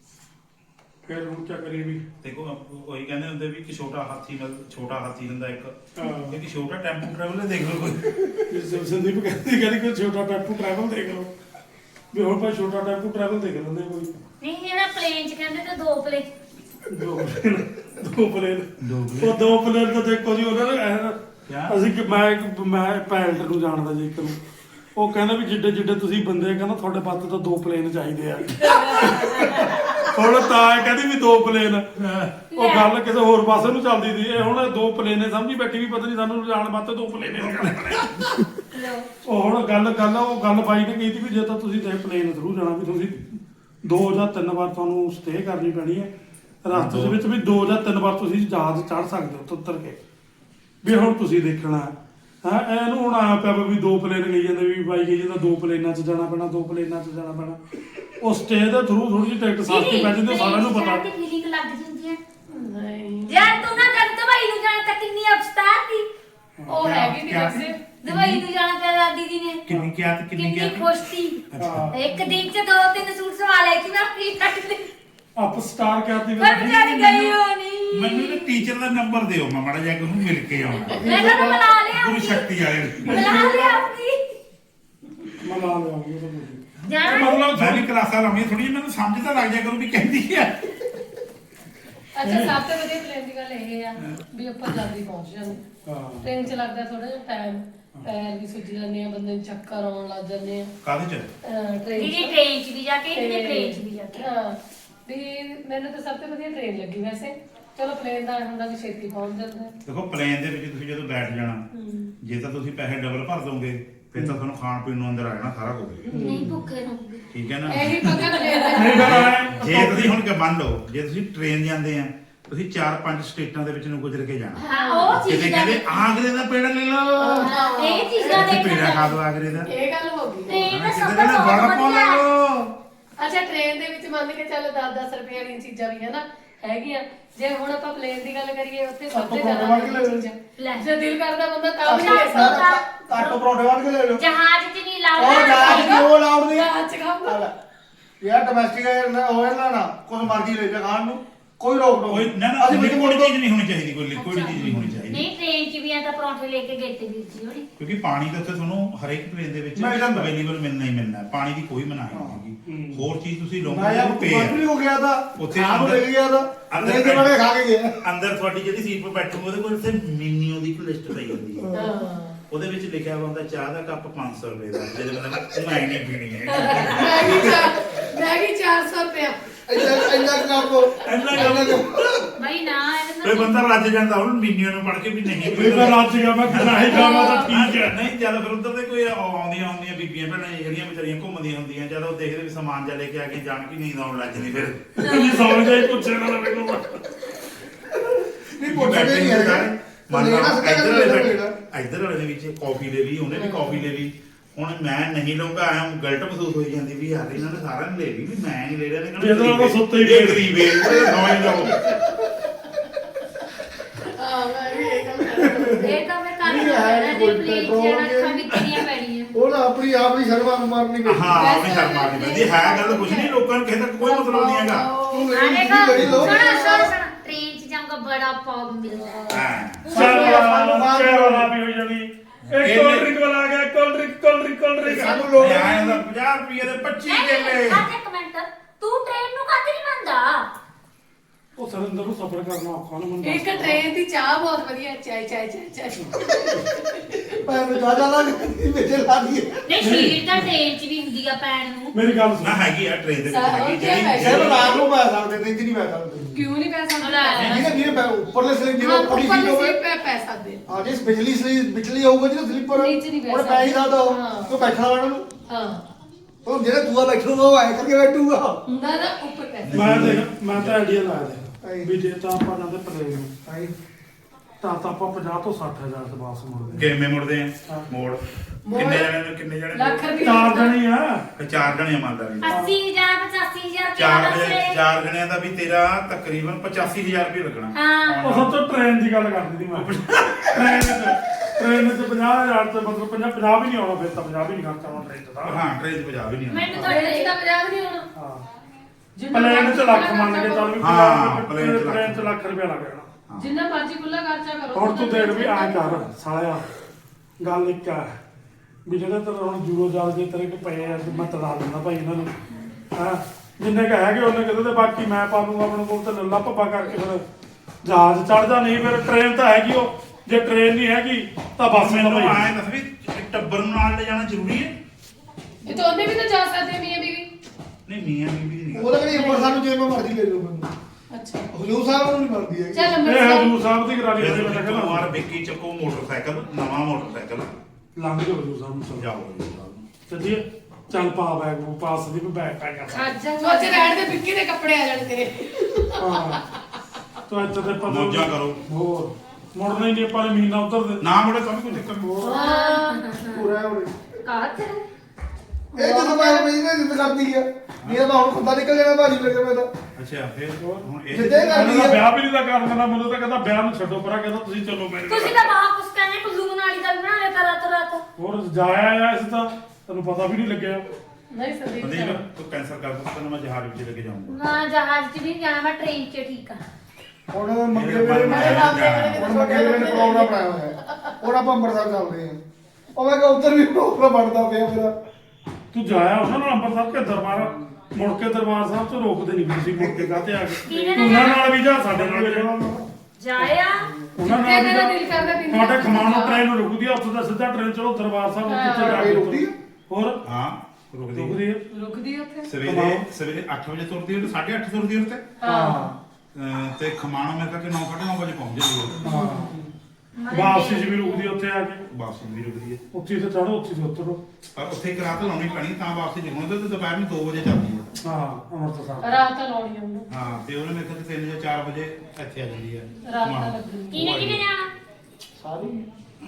S1: ਫਿਰ ਹੁਣ ਕੀ ਕਰੀਏ ਵੀ?
S3: ਦੇਖੋ ਉਹੀ ਕਹਿੰਦੇ ਹੁੰਦੇ ਵੀ ਕਿ ਛੋਟਾ ਹਾਥੀ ਨਾਲ ਛੋਟਾ ਹਾਥੀ ਹੁੰਦਾ ਇੱਕ,
S1: ਹਾਂ।
S3: ਇੱਕ ਛੋਟਾ ਟੈਂਪੂ ਟਰੈਵਲਰ ਦੇਖ ਲਓ ਕੋਈ।
S1: ਜਿਸ ਸੰਦੀਪ ਕਹਿੰਦੀ ਕਹਿੰਦੀ ਕੋਈ ਛੋਟਾ ਟੈਂਪੂ ਟਰੈਵਲ ਦੇਖ ਲਓ ਵੀ ਹੁਣ ਭਾਈ ਛੋਟਾ ਟੈਂਪੂ ਟਰੈਵਲ ਦੇਖ ਲੈਂਦੇ ਕੋਈ।
S2: ਨਹੀਂ ਜਿਹੜਾ ਪਲੇਨ 'ਚ ਕਹਿੰਦੇ ਤੇ ਦੋ ਪਲੇਨ।
S1: ਦੋ ਪਲੇਨ ਦੋ ਪਲੇਨ ਉਹ ਦੋ ਪਲੇਨ ਤਾਂ ਦੇਖੋ ਜੀ ਉਹਨਾਂ ਨੇ
S3: ਕਿਆ?
S1: ਅਸੀਂ ਕਿ ਮੈਂ ਮੈਂ ਪੈਲਟ ਨੂੰ ਜਾਣਦਾ ਜੀ ਇੱਕ ਨੂੰ, ਉਹ ਕਹਿੰਦਾ ਵੀ ਜਿੱਡੇ ਜਿੱਡੇ ਤੁਸੀਂ ਬੰਦੇ ਕਹਿੰਦਾ ਤੁਹਾਡੇ ਵਾਸਤੇ ਤਾਂ ਦੋ ਪਲੇਨ ਚਾਹੀਦੇ ਆ। ਹੁਣ ਤਾਂ ਇਹ ਕਹਿੰਦੀ ਵੀ ਦੋ ਪਲੇਨ, ਉਹ ਗੱਲ ਕਿਸੇ ਹੋਰ ਪਾਸੇ ਨੂੰ ਚੱਲਦੀ ਸੀ। ਇਹ ਹੁਣ ਦੋ ਪਲੇਨੇ ਸਮਝੀ ਬੈਠੀ ਵੀ ਪਤਾ ਨਹੀਂ ਸਾਨੂੰ ਜਾਣ ਵਾਸਤੇ ਦੋ ਪਲੇਨੇ
S2: ਲਓ।
S1: ਉਹ ਹੁਣ ਗੱਲ ਗੱਲ ਉਹ ਗੱਲ ਬਾਈ ਨੇ ਕਹੀ ਸੀ ਵੀ ਜੇ ਤਾਂ ਤੁਸੀਂ ਤੇ ਪਲੇਨ ਥਰੂ ਜਾਣਾ ਵੀ ਤੁਸੀਂ ਦੋ ਜਾਂ ਤਿੰਨ ਵਾਰ ਤੁਹਾਨੂੰ ਸਟੇ ਕਰਨੀ ਪੈਣੀ ਹੈ ਰਸਤੇ ਦੇ ਵਿੱਚ, ਵੀ ਦੋ ਜਾਂ ਤਿੰਨ ਵਾਰ ਤੁਸੀਂ ਜਹਾਜ਼ ਚੜ੍ਹ ਸਕਦੇ ਹੋ ਉੱਤੋਂ ਉਤਰ ਕੇ। ਵੀ ਹੁਣ ਤੁਸੀਂ ਦੇਖਣਾ ਹਾਂ ਇਹਨੂੰ ਹੁਣ ਆ ਪਿਆ ਵੀ ਦੋ ਪਲੇਨ ਗਈ ਜਾਂਦੇ ਵੀ ਬਾਈ ਗਈ ਜਾਂਦਾ ਦੋ ਪਲੇਨਾਂ 'ਚ ਜਾਣਾ ਪੈਣਾ, ਦੋ ਪਲੇਨਾਂ 'ਚ ਜਾਣਾ ਪੈਣਾ। ਉਹ ਸਟੇ ਦੇ ਥਰੂ ਥੋੜੀ ਜਿਹੀ ਟਿਕਟ ਸਸਤੀ ਪੈ ਜਾਂਦੀ, ਸਾਰਿਆਂ ਨੂੰ ਪਤਾ।
S2: ਫੀਲਿੰਗ ਲੱਗ ਜਾਂਦੀ ਹੈ। ਨਹੀਂ ਯਾਰ ਤੂੰ ਨਾ ਜਦ ਦਵਾਈ ਨੂੰ ਜਾਣਾ ਤਾਂ ਕਿੰਨੀ ਅਫਸੋਸ ਸੀ।
S5: ਉਹ ਹੈਗੀ ਨਹੀਂ ਵੈਸੇ
S2: ਦਵਾਈ ਨੂੰ ਜਾਣਾ ਪਿਆ ਦੀਦੀ ਨੇ।
S3: ਕਿੰਨੀ ਕਿਹਾ ਤੇ ਕਿੰਨੀ
S2: ਕਿੰਨੀ
S3: ਕਿਹਾ?
S2: ਖੁਸ਼ ਸੀ।
S1: ਹਾਂ।
S2: ਇੱਕ ਦਿਨ 'ਚ ਦੋ ਤਿੰਨ ਸੂਟ ਸਵਾ ਲਏ ਕਿ ਮੈਂ ਫ੍ਰੀ ਕੱਟ ਲਈ।
S1: ਅਪ ਸਟਾਰ ਕਰਦੀ
S2: ਪਰ ਵਿਚਾਰੀ ਗਈ ਹੋਣੀ।
S3: ਮੈਨੂੰ ਤੇ ਟੀਚਰ ਦਾ ਨੰਬਰ ਦਿਓ, ਮੈਂ ਮਾੜਾ ਜਾ ਕੇ ਉਹਨੂੰ ਮਿਲ ਕੇ ਆਉਣਾ।
S2: ਮੈਂ ਤਾਂ ਬੁਲਾ ਲਿਆ।
S3: ਗੁਰੂ ਸ਼ਕਤੀ ਵਾਲੇ
S2: ਬੁਲਾ ਲਿਆ ਆਪਣੀ।
S1: ਮੈਂ ਲਾ ਲਿਆਉਂਗੀ ਉਹ ਤਾਂ
S2: ਜਾਣਾ
S1: ਮਤਲਬ
S3: ਮੈਂ ਵੀ ਕਲਾਸਾਂ ਲਾਉਣੀਆਂ ਥੋੜੀ ਜਿਹੀ, ਮੈਨੂੰ ਸਮਝ ਤਾਂ ਲੱਗ ਜਾ ਕਰੂ ਵੀ ਕਹਿੰਦੀ ਆ।
S5: ਅੱਛਾ ਸਭ ਤੋਂ ਵਧੀਆ ਪਲੇਨ ਦੀ ਗੱਲ ਇਹ ਆ ਵੀ ਆਪਾਂ ਜਲਦੀ ਪਹੁੰਚ ਜਾਂਦੇ।
S1: ਹਾਂ
S5: ਟ੍ਰੇਨ 'ਚ ਲੱਗਦਾ ਥੋੜਾ ਜਿਹਾ ਟਾਈਮ, ਪੈਰ ਵੀ ਸੁੱਜ ਜਾਂਦੇ ਆ, ਬੰਦੇ ਨੂੰ ਚੱਕਰ ਆਉਣ ਲੱਗ ਜਾਂਦੇ ਆ
S3: ਕਾਹਦੇ ਚ?
S5: ਟ੍ਰੇਨ
S2: ਦੀਦੀ ਟ੍ਰੇਨ 'ਚ ਵੀ ਜਾ ਕੇ ਇਹਨੇ ਪਲੇਨ 'ਚ ਵੀ ਜਾ ਕੇ।
S5: ਹਾਂ ਵੀ ਮੈਨੂੰ ਤਾਂ ਸਭ ਤੋਂ ਵਧੀਆ ਟ੍ਰੇਨ ਲੱਗੀ ਵੈਸੇ। ਚਲੋ ਪਲੇਨ ਦਾ ਹੁੰਦਾ ਵੀ ਛੇਤੀ ਪਹੁੰਚ ਜਾਂਦੇ।
S3: ਦੇਖੋ ਪਲੇਨ ਦੇ ਵਿੱਚ ਤੁਸੀਂ ਜਦੋਂ ਬੈਠ ਜਾਣਾ, ਜੇ ਤਾਂ ਤੁਸੀਂ ਪੈਸੇ ਡਬਲ ਭਰ ਦੋਗੇ ਫਿਰ ਤਾਂ ਤੁਹਾਨੂੰ ਖਾਣ ਪੀਣ ਨੂੰ ਅੰਦਰ ਆ ਜਾਣਾ ਸਾਰਾ ਕੁਝ।
S2: ਨਹੀਂ ਭੁੱਖੇ ਰਹੂੰਗੀ।
S3: ਠੀਕ ਹੈ ਨਾ?
S5: ਇਹੀ ਪੱਕਾ ਪਲੇਨ ਦਾ
S1: ਨਹੀਂ ਫਿਰ ਆਏ
S3: ਜੇ ਤੁਸੀਂ ਹੁਣ ਕਿ ਮੰਨ ਲਓ ਜੇ ਤੁਸੀਂ ਟ੍ਰੇਨ ਜਾਂਦੇ ਆ, ਤੁਸੀਂ ਚਾਰ ਪੰਜ ਸਟੇਟਾਂ ਦੇ ਵਿੱਚ ਨੂੰ ਗੁਜ਼ਰ ਕੇ ਜਾਣਾ।
S2: ਹਾਂ ਉਹ
S3: ਕਿਤੇ
S2: ਚੀਜ਼ ਦਾ
S3: ਕਹਿੰਦੇ ਆਗਰੇ ਦਾ ਪੇੜਾ ਲੈ ਲਓ,
S2: ਹਾਂ, ਇਹ ਚੀਜ਼ਾਂ
S3: ਇੱਥੇ ਪੇੜਾ ਖਾ
S2: ਦੇਖਣਾ।
S3: ਲਓ ਆਗਰੇ ਦਾ।
S5: ਇਹ ਗੱਲ ਹੋ ਗਈ।
S2: ਟ੍ਰੇਨ ਦਾ
S3: ਕਿਤੇ
S2: ਸਫ਼ਰ
S3: ਕਹਿੰਦੇ
S2: ਬਹੁਤ
S3: ਵੜਾ ਪਾਓ ਲੈ
S2: ਵਧੀਆ ਹੈ।
S3: ਲਓ।
S5: ਅੱਛਾ ਟ੍ਰੇਨ ਦੇ ਵਿੱਚ ਮੰਨ ਕੇ ਚੱਲ ਦਸ ਦਸ ਰੁਪਏ ਵਾਲੀਆਂ ਚੀਜ਼ਾਂ ਵੀ ਹੈ ਨਾ ਹੈਗੀਆਂ। ਜੇ ਹੁਣ ਆਪਾਂ ਪਲੇਨ ਦੀ ਗੱਲ ਕਰੀਏ ਉੱਥੇ ਸਭ ਤੋਂ ਜ਼ਿਆਦਾ ਮਹਿੰਗੀਆਂ ਚੀਜ਼ਾਂ।
S2: ਲੈ।
S5: ਜੇ ਦਿਲ ਕਰਦਾ ਬੰਦਾ ਤਾਂ ਵੀ ਲੈ
S2: ਅੱਛਾ,
S5: ਸਕਦਾ।
S4: ਕਾਟੋ ਪਰੌਂਠੇ ਵਾਟ ਕੇ ਲੈ ਲਓ।
S2: ਜਹਾਜ਼ 'ਚ ਨਹੀਂ
S4: ਉਹ
S2: ਲਾਉਣਾ।
S4: ਜਹਾਜ਼ ਦੀ ਉਹ ਲਾਉਣ ਦੀ
S5: ਜਹਾਜ਼ 'ਚ ਖਾਊਗਾ।
S4: ਯਾਰ ਡੋਮੈਸਟਿਕ ਹੋਏ ਨਾ ਨਾ ਕੁਝ ਮਰਜ਼ੀ ਲੈ ਜਾ ਖਾਣ ਨੂੰ, ਕੋਈ ਰੋਕ ਟੋਕ
S3: ਕੋਈ ਨਾ ਨਾ
S4: ਅਸੀਂ ਵਿੱਚ
S3: ਲਿਕੁਇਡ
S4: ਮੁੜ
S3: ਚੀਜ਼ ਨਹੀਂ ਹੋਣੀ ਚਾਹੀਦੀ, ਕੋਈ ਲਿਕੁਇਡ ਚੀਜ਼ ਨਹੀਂ ਹੋਣੀ ਚਾਹੀਦੀ।
S2: ਨਹੀਂ ਟ੍ਰੇਨ 'ਚ ਵੀ ਆ ਤਾਂ ਪਰੌਂਠੇ ਲੈ ਕੇ ਗਏ ਤੇ ਵੀਰ ਜੀ ਹੋਣੀ।
S3: ਕਿਉਂਕਿ ਪਾਣੀ ਤਾਂ ਉੱਥੇ ਤੁਹਾਨੂੰ ਹਰੇਕ ਟ੍ਰੇਨ ਦੇ ਵਿੱਚ
S4: ਮਿਲ ਜਾਂਦਾ।
S3: ਅਵੇਲੇਬਲ ਮਿਲਣਾ ਹੀ ਮਿਲਣਾ ਹੈ। ਪਾਣੀ ਦੀ ਕੋਈ ਮਨਾਹੀ ਨਹੀਂ ਹੈਗੀ। ਹੋਰ ਚੀਜ਼ ਤੁਸੀਂ
S4: ਮੈਂ
S3: ਲਓਗੇ
S4: ਯਾਰ
S3: ਉਹ ਪੇ
S4: ਮੰਤਰੀ ਹੋ ਗਿਆ ਤਾਂ
S3: ਉੱਥੇ
S4: ਖਾਣ ਨੂੰ ਲੈ ਕੇ ਗਿਆ ਤਾਂ
S3: ਅੰਦਰ
S4: ਲੈ ਕੇ ਬੜੇ ਖਾ ਕੇ ਗਿਆ।
S3: ਅੰਦਰ ਤੁਹਾਡੀ ਜਿਹੜੀ ਸੀਟ 'ਤੇ ਬੈਠੋਗੇ ਉਹਦੇ ਕੋਲ ਉੱਥੇ ਮੈਨੂ ਦੀ ਇੱਕ ਲਿਸਟ ਪਈ ਹੁੰਦੀ ਹੈ।
S5: ਹਾਂ
S3: ਉਹਦੇ ਵਿੱਚ ਲਿਖਿਆ ਹੋਇਆ ਹੁੰਦਾ ਚਾਹ ਦਾ ਕੱਪ ਪੰਜ ਸੌ ਰੁਪਏ ਦਾ, ਜਿਹਦੇ ਬੰਦੇ ਮੈਂ ਨਹੀਂ ਪੀਣੀ ਹੈ।
S5: ਮੈਗੀ ਚਾਰ ਮੈਗੀ ਚਾਰ ਸੌ ਰੁਪਇਆ।
S4: ਇੰਨਾ ਇੰਨਾ ਕੰਮ
S3: ਇੰਨਾ ਕੰਮ।
S2: ਬਈ ਨਾ ਇਹਦੇ
S3: ਕੋਈ
S2: ਨਾਲ
S3: ਬੰਦਾ ਰੱਜ ਜਾਂਦਾ ਹੁਣ ਮੀਨੀਆਂ ਨੂੰ ਪੜ ਕੇ ਵੀ ਨਹੀਂ
S1: ਵੀ ਮੈਂ ਰੱਜ ਗਿਆ ਮੈਂ ਕਿਹਾ ਹੀ ਜਾਵਾਂ ਤਾਂ ਠੀਕ ਹੈ
S3: ਨਹੀਂ ਜਦ ਫਿਰ ਉੱਧਰ ਤੇ ਕੋਈ ਆਉਂਦੀਆਂ ਆਉਂਦੀਆਂ ਬੀਬੀਆਂ ਭੈਣਾਂ ਜਿਹੜੀਆਂ ਵਿਚਾਰੀਆਂ ਘੁੰਮਦੀਆਂ ਹੁੰਦੀਆਂ ਜਦ ਉਹ ਦੇਖਦੇ ਵੀ ਸਮਾਨ ਜਾ ਲੈ ਕੇ ਆ ਕੇ ਜਾਣ ਕੀ ਨੀਂਦ ਆਉਣ ਲੱਗ ਜਾਂਦੀ ਫਿਰ
S1: ਨਹੀਂ ਸੌਂ ਜਾਈ ਪੁੱਛੇ ਨਾ ਮੈਨੂੰ
S4: ਨਹੀਂ ਪੁੱਛਦੇ ਨਹੀਂ ਹੈਗੇ
S3: ਮੰਨ
S4: ਲੈਣਾ
S3: ਲਾ
S4: ਸਿੱਧਾ
S3: ਇੱਧਰ
S4: ਲੈਣਾ
S3: ਵਾਲੇ
S4: ਲੈਣਾ।
S3: ਇੱਧਰ ਵਾਲੇ ਦੇ ਵਿੱਚ ਕਾਫੀ ਲੈ ਲਈ ਉਹਨੇ ਵੀ ਕਾਫੀ ਲੈ ਲਈ ਹੁਣ ਮੈਂ ਨਹੀਂ ਲਊਂਗਾ ਐਂ ਗਲਤ ਮਹਿਸੂਸ ਹੋਈ ਜਾਂਦੀ ਵੀ ਯਾਰ ਇਹਨਾਂ ਨੇ ਸਾਰਿਆਂ ਨੇ ਲੈ ਲਈ ਵੀ ਮੈਂ ਨਹੀਂ ਲੈ ਰਿਹਾ ਨੇ
S1: ਇਹਦੇ ਨਾਲ ਤਾਂ ਸੁੱਤੇ ਹੀ
S3: ਇਹ ਗਰੀਬ ਹੈ ਇਹ ਸਮਝ ਲਓ
S5: ਹਾਂ ਮੈਂ ਵੀ ਇਹ ਗੱਲ ਕਰਦਾ
S2: ਇਹ ਤਾਂ ਮੈਂ ਕਰ
S4: ਨਹੀਂ,
S2: ਲਿਆ
S4: ਹੈ
S2: ਨਾ
S4: ਨੀ ਕੋਈ
S2: ਜੇ ਪਲੀਜ਼
S4: ਪੈਟਰੋਲ
S2: ਜਿਹੜਾ
S4: ਕੇ-
S2: ਅੱਖਾਂ ਵਿਚਰੀਆਂ ਪੈਣੀਆਂ
S4: ਉਹ ਨਾ ਆਪਣੀ ਆਪਣੀ ਸ਼ਰਮਾ ਨੂੰ ਮਾਰਨੀ ਪੈਂਦੀ।
S3: ਹਾਂ ਆਪਣੀ ਸ਼ਰਮ ਆਣੀ ਪੈਂਦੀ ਹੈ ਗੱਲ ਕੁਝ ਨਹੀਂ ਲੋਕਾਂ ਨੂੰ ਕਿਸੇ ਦਾ ਕੋਈ ਮਤਲਬ ਨਹੀਂ ਹੈਗਾ
S4: ਤੂੰ
S2: ਆ
S4: ਮੇਰੀ
S2: ਦੇਖੋ
S4: ਕਰੀ ਲੋ
S2: ਸੁਣਾ ਸੁਣਾ ਸੁਣਾ ਟ੍ਰੇਨ 'ਚ ਜਾਊਂਗਾ ਬੜਾ ਫੌਗ ਮਿਲਦਾ
S3: ਹਾਂ
S1: ਚੱਲ ਚਾਹ ਵਾਲਾ ਵੀ ਹੋ ਜਾਣੀ ਇੱਕ ਕੋਲਡ ਡਰਿੰਕ ਵਾਲਾ ਆ ਗਿਆ cold drink cold drink cold drink
S4: ਸਾਨੂੰ ਲੋਕ
S3: ਪੰਜਾਹ ਦਾ ਪੰਜਾਹ ਰੁਪਏ ਦੇ ਪੱਚੀ ਕੇਲੇ
S2: ਅੱਜ ਇੱਕ ਮਿੰਟ ਤੂੰ ਟ੍ਰੇਨ ਨੂੰ ਕਾਹਤੇ ਨਹੀਂ ਮੰਨਦਾ
S1: ਉਹ ਸਰਿੰਦਰ ਨੂੰ ਸਫਰ ਕਰਨਾ ਔਖਾ ਨਾ ਮੈਨੂੰ
S5: ਇੱਕ ਟ੍ਰੇਨ ਦੀ ਚਾਹ ਬਹੁਤ ਵਧੀਆ ਚਾय ਚਾय ਚਾय ਚਾय
S4: ਪੈਰ ਜਾਜਾ ਲਾ ਕੇ ਵਿੱਚ ਲਾ ਦੀਏ
S2: ਨਹੀਂ ਸ਼ੀਟ ਤਾਂ ਟ੍ਰੇਨ 'ਚ ਵੀ ਹੁੰਦੀ ਆ ਪੈਣ ਨੂੰ
S1: ਮੇਰੀ ਗੱਲ ਸੁਣ
S3: ਨਾ ਹੈਗੀ ਆ ਟ੍ਰੇਨ ਦੇ ਵਿੱਚ
S5: ਸਾਰਾ
S3: ਹੈਗੀ
S5: ਉਹ ਕਿਆ
S3: ਜਿਹੜੀ
S4: ਇਹ ਰਾਤ ਨੂੰ ਪੈ ਸਕਦੇ ਤੇ ਇੰਜ ਨਹੀਂ ਪੈ ਸਕਦੇ
S5: ਕਿਉਂ ਨਹੀਂ ਪੈਸਾ
S4: ਜਿਹਨੇ ਜਿਹਨੇ ਪੈ ਉੱਪਰਲੇ ਸਲੀਪ
S5: ਹਾਂ
S4: ਜਿਹਨੇ ਉੱਪਰਲੀ
S5: ਉੱਪਰ
S4: ਸੀਟ ਹੋਵੇ
S5: ਸੀ ਪੈ ਪੈਸਾ ਦੇ
S4: ਆ ਜਿਸ ਬਿਜਲੀ ਸਲੀਪ ਬਿਜਲੀ ਆਊਗਾ ਜਿਹੜਾ ਸਲੀਪਰ
S5: ਨੀਚੇ ਨਹੀਂ ਬੈਠ
S4: ਉਹ ਪੈ ਹੀ ਸਕਦਾ ਉਹ
S5: ਹਾਂ।
S4: ਤੂੰ ਬੈਠਣਾ ਵਾਲਾ ਨੂੰ
S5: ਹਾਂ
S4: ਉਹ ਜਿਹੜਾ ਦੂਆ ਬੈਠੂਗਾ ਉਹ ਐ ਕਰਕੇ ਬੈਠੂਗਾ
S5: ਹੁੰਦਾ ਨਾ ਉੱਪਰ ਪੈਸਾ
S1: ਮੈਂ ਦੇਖ ਮੈਂ ਤਾਂ ਆਈਡੀਆ ਲਾਇਆ ਦੇਖ ਵੀ ਜੇ ਤਾਂ ਆਪਾਂ ਜਾਂਦੇ ਪਲੇਨ ਨੂੰ
S4: ਆਈ
S1: ਤਾਂ ਤਾਂ ਆਪਾਂ ਪੰਜਾਹ ਤੋਂ ਸੱਠ ਹਜ਼ਾਰ ਦੇ ਬਾਸ ਮੁੜਦੇ
S3: ਕਿਵੇਂ ਮੁੜਦੇ ਆ
S1: ਹਾਂ।
S3: ਮੋੜ
S5: ਮੋੜ।
S3: ਕਿੰਨੇ ਜਣੇ ਨੇ ਕਿੰਨੇ ਜਣੇ
S5: ਲੱਖ ਰੁਪਏ
S1: ਚਾਰ ਜਣੀ ਆ
S3: ਫਿਰ ਚਾਰ ਜਣੇ ਮੰਨਦਾ ਵੀ
S2: ਅੱਸੀ ਹਜ਼ਾਰ ਪਚਾਸੀ ਹਜ਼ਾਰ
S3: ਚਾਰ
S2: ਰੁਪਏ
S3: ਜਣੇ ਚਾਰ ਜਣਿਆਂ ਦਾ ਵੀ ਤੇਰਾ ਤਕਰੀਬਨ ਪਚਾਸੀ ਹਜ਼ਾਰ ਰੁਪਏ ਲੱਗਣਾ
S2: ਹਾਂ।
S1: ਉਹ ਸਭ ਤੋਂ ਟ੍ਰੇਨ ਦੀ ਗੱਲ ਕਰਦੀ ਸੀ ਮੈਂ ਟ੍ਰੇਨ 'ਚ ਟ੍ਰੇਨ 'ਚ ਪੰਜਾਹ ਹਜ਼ਾਰ ਤੇ ਮਤਲਬ ਪੰਜਾਹ ਪੰਜਾਹ ਵੀ ਨਹੀਂ ਆਉਣਾ ਫਿਰ ਤਾਂ ਪੰਜਾਹ ਵੀ ਨਹੀਂ ਖਰਚਾ ਆਉਣਾ ਟ੍ਰੇਨ 'ਚ ਤਾਂ
S3: ਹਾਂ ਟ੍ਰੇਨ 'ਚ ਪੰਜਾਬ ਹੀ ਨਹੀਂ ਆਉਂਦਾ।
S2: ਮੈਨੂੰ ਤਾਂ
S5: ਟ੍ਰੇਨ ਦਾ ਪੰਜਾਬ ਨਹੀਂ ਹੋਣਾ
S1: ਹਾਂ
S5: ਜਿੰਨਾ
S1: ਪਲੇਨ 'ਚ
S5: ਮਰਜ਼ੀ
S1: ਲੱਖ
S5: ਖੁੱਲ੍ਹਾ
S1: ਮੰਨ ਕੇ
S5: ਖਰਚਾ
S1: ਚੱਲ ਵੀ
S3: ਹਾਂ,
S1: ਪੰਜਾਹ
S3: ਪਲੇਨ 'ਚ ਲੱਖ।
S1: ਟ੍ਰੇਨ 'ਚ ਲੱਖ ਰੁਪਇਆ ਲੱਗ ਜਾਣਾ
S5: ਕਰੋ। ਜਿੰਨਾ ਮਰਜ਼ੀ ਖੁੱਲਾ ਖਰਚਾ ਕਰੋ
S1: ਹੁਣ ਤੂੰ ਦੇਖ ਵੀ ਐਂ ਕਰ ਸਾਲਿਆ ਗੱਲ ਇੱਕ ਆ ਵੀ ਜਿਹੜੇ ਤੇਰੇ ਹੁਣ ਜੂਰੋ ਜਾਲ ਦੇ ਤੇਰੇ ਕੋ ਪਏ ਆ ਤੇ ਮੈਂ ਤੜਾ ਦਿੰਦਾ ਭਾਈ ਇਹਨਾਂ ਨੂੰ ਹਾਂ ਜਿੰਨੇ ਕ ਹੈਗੇ ਉਹਨੇ ਕਹਿੰਦੇ ਤੇ ਬਾਕੀ ਮੈਂ ਪਾ ਦੂੰਗਾ ਆਪਣੇ ਕੋਲ ਤੇ ਲੱਲਾ ਭੱਬਾ ਕਰਕੇ ਫਿਰ ਜਹਾਜ਼ ਚੜਦਾ ਨਹੀਂ ਫਿਰ ਟ੍ਰੇਨ ਤਾਂ ਹੈਗੀ ਉਹ ਜੇ ਟ੍ਰੇਨ ਨਹੀਂ ਹੈਗੀ ਤਾਂ ਬੱਸ
S3: ਮੈਨੂੰ
S1: ਮੈਨੂੰ
S3: ਆਏ ਦੱਸ ਵੀ ਇੱਕ ਟੱਬਰ ਨੂੰ ਨਾਲ ਲੈ ਜਾਣਾ ਜ਼ਰੂਰੀ ਹੈ
S5: ਇਹ ਤਾਂ ਉਹਨੇ ਵੀ ਤਾਂ ਜਾ ਸਕਦੇ ਮੀਆਂ ਬੀਵੀ
S3: ਨਹੀਂ ਮੀਆਂ ਬੀਬੀ ਦੀ
S4: ਉਹਦਾ ਕਹਿੰਦੀ ਉੱਪਰ ਸਾਨੂੰ ਜੇ ਮੈਂ ਮਰਜ਼ੀ ਲੈ ਲਓ ਮੈਨੂੰ
S5: ਅੱਛਾ
S4: ਹਜੂਰ ਸਾਹਿਬ ਨੂੰ ਨਹੀਂ ਮਰਦੀ ਹੈ
S5: ਚੱਲ
S1: ਇਹ
S5: ਅੰਮ੍ਰਿਤਸਰ
S1: ਹਜੂਰ ਸਾਹਿਬ ਦੀ ਗਰਾਰੀ ਦੇ ਵਿੱਚ
S3: ਮਾਰ
S1: ਕਹਿੰਦਾ
S3: ਵਿੱਕੀ ਚੱਕੋ ਮੋਟਰਸਾਈਕਲ ਨਵਾਂ ਮੋਟਰਸਾਈਕਲ
S1: ਲੰਘ ਜਾ ਹਜੂਰ ਸਾਹਿਬ ਨੂੰ ਸਮਝਾਓ
S3: ਜਾਓ
S1: ਚੱਲੀਏ ਚੱਲ ਪਾ ਬੈਗ ਨੂੰ ਪਾਸ ਦੀ ਵੀ ਬੈਗ ਪੈਕ ਕਰ
S5: ਖਾਜਾ ਸੋਚ ਰਹਿਣ ਦੇ ਵਿੱਕੀ ਦੇ ਕੱਪੜੇ ਆ ਜਾਣੇ ਤੇਰੇ
S1: ਹਾਂ ਤੂੰ ਇੱਥੇ ਤੇ ਪਤਾ
S3: ਮੌਜਾਂ ਕਰੋ।
S1: ਹੋਰ ਮੁੜਨਾ ਹੀ ਨਹੀਂ ਆਪਾਂ ਨੇ ਮਹੀਨਾ ਉਧਰ ਦੇ
S3: ਨਾ ਮੋੜੇ ਤਾਂ ਵੀ ਕੋਈ ਚੱਕਰ ਨਹੀਂ
S5: ਹਾਂ
S4: ਪੂਰਾ ਹੈ ਉਰੇ
S2: ਕਾਹਤ
S4: ਇਹ ਜਦੋਂ ਮੈਂ ਮੈਂ ਜਿੱਦ ਕਰਦੀ ਆ ਮੇਰਾ ਤਾਂ ਹੁਣ ਖੁੱਦਾ ਨਿਕਲ ਜਾਣਾ ਭਾਜੀ ਲੱਗੇ ਮੈਂ ਤਾਂ
S3: ਅੱਛਾ ਫਿਰ ਹੁਣ ਇਹ
S4: ਜਿੱਦੇ ਕਰਦੀ
S1: ਮੈਨੂੰ ਤਾਂ
S4: ਆ
S1: ਵਿਆਹ ਵੀ ਨਹੀਂ ਦਾ ਕਰ ਦੇਣਾ ਮੈਨੂੰ ਤਾਂ ਕਹਿੰਦਾ ਵਿਆਹ ਨੂੰ ਛੱਡੋ ਪਰਾਂ ਕਹਿੰਦਾ ਤੁਸੀਂ ਚੱਲੋ ਮੇਰੇ ਨਾਲ
S2: ਤੁਸੀਂ ਤਾਂ ਬਾਹਰ ਕੁਛ ਕਹਿੰਦੇ ਕੁੱਲੂ ਮਨਾਲੀ ਦਾ ਵੀ ਬਣਾ ਲਿਆ ਤਾਂ ਰਾਤੋਂ ਰਾਤ
S1: ਹੋਰ ਜਾਇਆ ਆ ਇਸ ਤਾਂ ਤੈਨੂੰ ਪਤਾ ਵੀ ਨਹੀਂ ਲੱਗਿਆ
S5: ਨਹੀਂ ਸੰਦੀਪ
S3: ਸੰਦੀਪ ਤੂੰ ਕੈਂਸਲ ਕਰ ਦੋ ਤੈਨੂੰ ਮੈਂ ਜਹਾਜ਼ ਵਿੱਚ ਲੈ ਕੇ ਜਾਊਂਗਾ
S2: ਨਾ ਜਹਾਜ਼ 'ਚ ਵੀ ਜਾਣਾ ਮੈਂ ਟ੍ਰੇਨ 'ਚ ਠੀਕ ਆ
S4: ਹੁਣ ਮੰਗੇ ਮੇਰੇ
S5: ਮੇਰੇ ਬਾਪ ਦੇ ਕੋਲ
S4: ਹੁਣ ਮੰਗੇ ਮੇਰੇ ਨੇ ਪ੍ਰੋਗਰਾਮ ਬਣਾਇਆ ਹੋਇਆ ਹੈ ਹੁਣ ਆਪਾਂ ਅੰਮ੍ਰਿਤਸਰ ਚੱਲਦੇ ਹਾਂ ਉਹ ਮੈਂ ਕਿਹਾ ਉੱਧਰ ਵੀ ਪ੍ਰੋਗਰਾਮ ਬਣਦਾ ਪਿਆ ਮੇਰਾ
S1: ਤੂੰ ਜਾਇਆ ਉਹਨਾਂ ਨਾਲ ਅੰਮ੍ਰਿਤਸਰ ਕੇ ਦਰਬਾਰ ਮੁੜ ਕੇ ਦਰਬਾਰ ਸਾਹਿਬ ਤੋਂ ਰੋਕਦੇ ਨਹੀਂ ਵੀ ਸੀ ਮੁੜ ਕੇ ਕਾਹਤੇ ਆ ਗਏ
S2: ਕਿਹਦੇ
S1: ਤੂੰ
S2: ਨਾਲ
S1: ਉਹਨਾਂ ਨਾਲ ਵੀ ਜਾ ਸਾਡੇ ਨਾਲ ਵੀ ਜਾ
S2: ਜਾਇਆ
S1: ਉਹਨਾਂ ਨਾਲ
S5: ਜਿੱਥੇ
S1: ਵੀ
S5: ਤੇਰਾ
S1: ਜਾ।
S5: ਦਿਲ ਕਰਦਾ ਤਿੰਨ
S1: ਤੁਹਾਡੇ
S5: ਦਿਨ
S1: ਖਮਾਣੋਂ
S5: ਜਾਓ।
S1: ਟ੍ਰੇਨ ਰੁਕਦੀ ਆ ਉੱਥੇ ਦਾ ਸਿੱਧਾ ਟ੍ਰੇਨ ਚਲੋ ਦਰਬਾਰ ਸਾਹਿਬ
S5: ਹਾਂ।
S1: ਉੱਥੇ ਜਾ ਕੇ
S4: ਰੁਕਦੀ ਆ?
S1: ਹੋਰ
S3: ਹਾਂ ਰੁਕਦੀ
S1: ਰੁਕਦੀ ਆ
S5: ਰੁਕਦੀ ਆ ਉੱਥੇ
S3: ਸਵੇਰੇ ਸਵੇਰੇ ਅੱਠ ਵਜੇ ਤੁਰਦੀ ਹੈ ਤੇ ਸਾਢੇ ਅੱਠ ਤੁਰਦੀ ਹੈ ਉੱਤੇ
S5: ਹਾਂ
S3: ਅਹ ਤੇ ਖਮਾਣੋਂ ਮੇਰੇ ਕਰਕੇ ਨੌ ਸਾਢੇ ਨੌ ਵਜੇ ਪਹੁੰਚ ਜਾਂਦੀ ਹੈ
S1: ਹਾਂ ਵਾਪਸੀ 'ਚ ਵੀ ਰੁਕਦੀ ਆ ਉੱਥੇ ਆ ਕੇ
S3: ਵਾਪਸ ਵੀ ਰੁਕਦੀ ਹੈ
S1: ਉੱਥੇ ਤੇ ਚੜੋ ਉੱਥੇ ਤੇ ਉਤਰੋ
S3: ਪਰ ਉੱਥੇ ਇੱਕ ਰਾਤ ਲਾਉਣੀ ਪੈਣੀ ਤਾਂ ਵਾਪਸੀ ਜਿਗਣ ਤੇ ਦੁਪਹਿਰ ਨੂੰ ਦੋ ਵਜੇ ਚੱਲਦੀ ਹੈ
S1: ਹਾਂ ਅੰਮ੍ਰਿਤਸਰ ਸਾਹਿਬ
S5: ਰਾਤ ਤਾਂ ਲਾਉਣੀ ਆ ਉਹਨੂੰ
S3: ਹਾਂ ਤੇ ਉਹਨੇ ਮੇਰੇ ਖਿਆਲ ਤਿੰਨ ਜਾਂ ਚਾਰ ਵਜੇ ਇੱਥੇ ਆ ਜਾਂਦੀ ਹੈ
S5: ਰਾਤ ਤਾਂ
S3: ਖਮਾਣੋਂ।
S5: ਲੱਗਣੀ
S2: ਕਿਹਨੇ ਕਿਹਨੇ ਜਾਣਾ
S4: ਸਾਰੀ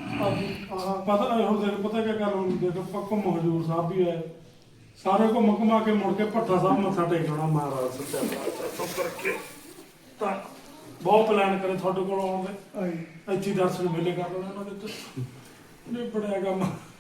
S1: ਆਹ ਪਤਾ ਹੁਣ ਦੇਖ ਪਤਾ ਕੀ ਕਰ ਹੁਣ ਦੇਖ ਪੱਕੋ ਹਜੂਰ ਸਾਹਿਬ ਵੀ ਹੈ ਸਾਰੇ ਘੁੰਮ ਘੁਮਾ ਕੇ ਮੁੜ ਕੇ ਭੱਠਾ ਸਾਹਿਬ ਮੱਥਾ ਟੇਕਣਾ ਮਹਾਰਾਜ ਸੱਚਾ ਪਾਤਸ਼ਾਹ ਤੋਂ ਕਰਕੇ ਤਾਂ ਬਹੁਤ ਪਲਾਨ ਕਰੇ ਤੁਹਾਡੇ ਕੋਲ ਆਉਣ ਦੇ ਇੱਥੇ ਹੀ ਦਰਸ਼ਨ ਮੇਲੇ ਕਰ ਲੈਣਾ ਉਹਨਾਂ ਦੇ ਤੇ ਨਹੀਂ ਬੜਿਆ ਕੰਮ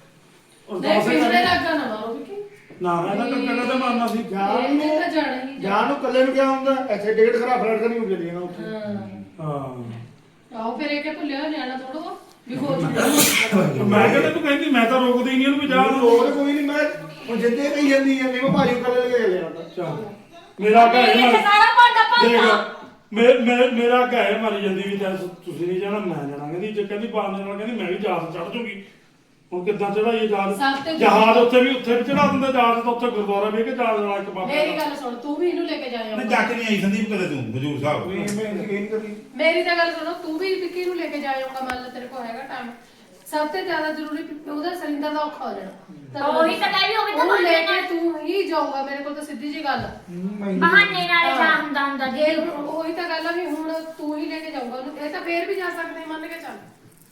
S1: ਔਰ
S5: ਨਹੀਂ
S1: ਦਸ
S5: ਪਿਛਲੇ ਲੱਗਾ ਨਾ ਮਾਰੋ ਵਿੱਕੀ
S1: ਨਾ ਨਾ ਨਾ ਕੱਟਣਾ ਤੇ ਮਾਰਨਾ ਸੀ
S4: ਜਾਣ
S5: ਇਹਨੇ
S4: ਨੂੰ
S5: ਤਾਂ ਜਾਣਾ ਹੀ
S4: ਜਾਣ ਨੂੰ ਕੱਲੇ ਨੂੰ ਕਿਆ ਹੁੰਦਾ ਇੱਥੇ ਟਿਕਟ ਖਰਾ ਫਲੈਟ ਕਰਨੀ ਹੋ ਜਾਂਦੀ ਹੈ ਨਾ ਉੱਥੇ
S5: ਹਾਂ
S1: ਹਾਂ
S5: ਆਓ ਫਿਰ ਇਹ ਕਿ ਭੁੱਲਿਆ ਨਿਆਣਾ ਥੋੜਾ ਵੀ ਹੋ ਚੁੱਕਾ
S1: ਮੈਂ ਕਹਿੰਦਾ ਤੂੰ ਕਹਿੰਦੀ ਮੈਂ ਤਾਂ ਰੋਕਦੀ ਨਹੀਂ ਇਹਨੂੰ ਵੀ ਜਾ
S4: ਹੋਰ ਕੋਈ ਨਹੀਂ ਮੈਂ ਹੁਣ ਜਿੱਦੇ ਕਹੀ ਜਾਂਦੀ ਹੈ ਨਹੀਂ ਮੈਂ ਭਾਜੀ ਨੂੰ ਕੱਲੇ ਲੈ ਕੇ ਲਿਆ
S1: ਚੱਲ ਮੇਰਾ ਘਰ
S2: ਇਹ ਸਾਰਾ ਭਾਂਡਾ ਭਾਂਡਾ
S1: ਦੇਖ ਮੇ- ਮੇ- ਮੇਰਾ ਘਰ ਮਾਰੀ ਜਾਂਦੀ ਵੀ ਤਾਂ ਤੁਸੀਂ ਨਹੀਂ ਜਾਣਾ ਮੈਂ ਜਾਣਾ ਕਹਿੰਦੀ ਜੇ ਕਹਿੰਦੀ ਬਾਹਰ ਨਾਲ ਕਹਿੰਦੀ ਮੈਂ ਵੀ ਜਹਾਜ਼ ਚੜ ਜੂਗੀ ਹੁਣ ਕਿੱਦਾਂ ਚੜਾਈਏ
S5: ਸਭ
S1: ਜਹਾਜ਼
S5: ਤੋਂ
S1: ਜਹਾਜ਼ ਉੱਥੇ ਵੀ ਉੱਥੇ ਵੀ ਚੜਾ ਦਿੰਦੇ ਜਹਾਜ਼ ਤਾਂ ਉੱਥੇ ਗੁਰਦੁਆਰਾ ਵੀ ਹੈ ਕਿ ਜਹਾਜ਼ ਵਾਲਾ ਇੱਕ ਬਾਬਾ
S5: ਮੇਰੀ ਗੱਲ ਸੁਣ ਤੂੰ ਵੀ ਇਹਨੂੰ ਲੈ ਕੇ
S3: ਨਹੀਂ
S5: ਜਾਇਆ
S3: ਜਾ ਕੇ ਨਹੀਂ ਆਈ ਸੰਦੀਪ ਕਦੇ ਤੂੰ ਹਜੂਰ ਸਾਹਿਬ
S4: ਮੈਂ ਯਕੀਨ ਕਰੀ
S5: ਮੇਰੀ ਤਾਂ ਗੱਲ ਸੁਣੋ ਤੂੰ ਵੀ ਵਿੱਕੀ ਨੂੰ ਲੈ ਕੇ ਜਾਇਆਗਾ ਮੰਨ ਲੈ ਤੇਰੇ ਕੋਲ ਹੈਗਾ ਟਾਈਮ ਸਭ ਤੋਂ ਜ਼ਿਆਦਾ ਜ਼ਰੂਰੀ ਵੀ ਉਹਦਾ ਸਰਿੰਦਰ ਦਾ ਔਖਾ ਹੋ ਜਾਣਾ
S2: ਉਹੀ ਤਾਂ ਕਹਿ ਵੀ ਹੋਵੇ ਤਾਂ
S5: ਉਹਨੂੰ ਲੈ
S2: ਬਹਾਨੇ
S5: ਕੇ ਤੂੰ ਹੀ ਜਾਊਗਾ ਮੇਰੇ ਕੋਲ ਤਾਂ ਸਿੱਧੀ ਜੀ ਗੱਲ ਆ।
S2: ਬਹਾਨੇ ਨਾਲ ਜਾ ਹੁੰਦਾ ਹੁੰਦਾ
S5: ਜੇ
S2: ਜੀ
S5: ਹੁਣ ਉਹੀ ਤਾਂ ਗੱਲ ਆ ਵੀ ਹੁਣ ਤੂੰ ਹੀ ਲੈ ਕੇ ਜਾਊਗਾ ਉਹਨੂੰ ਇਹ ਤਾਂ ਫੇਰ ਵੀ ਜਾ ਸਕਦੇ ਮੰਨ ਕੇ ਚੱਲ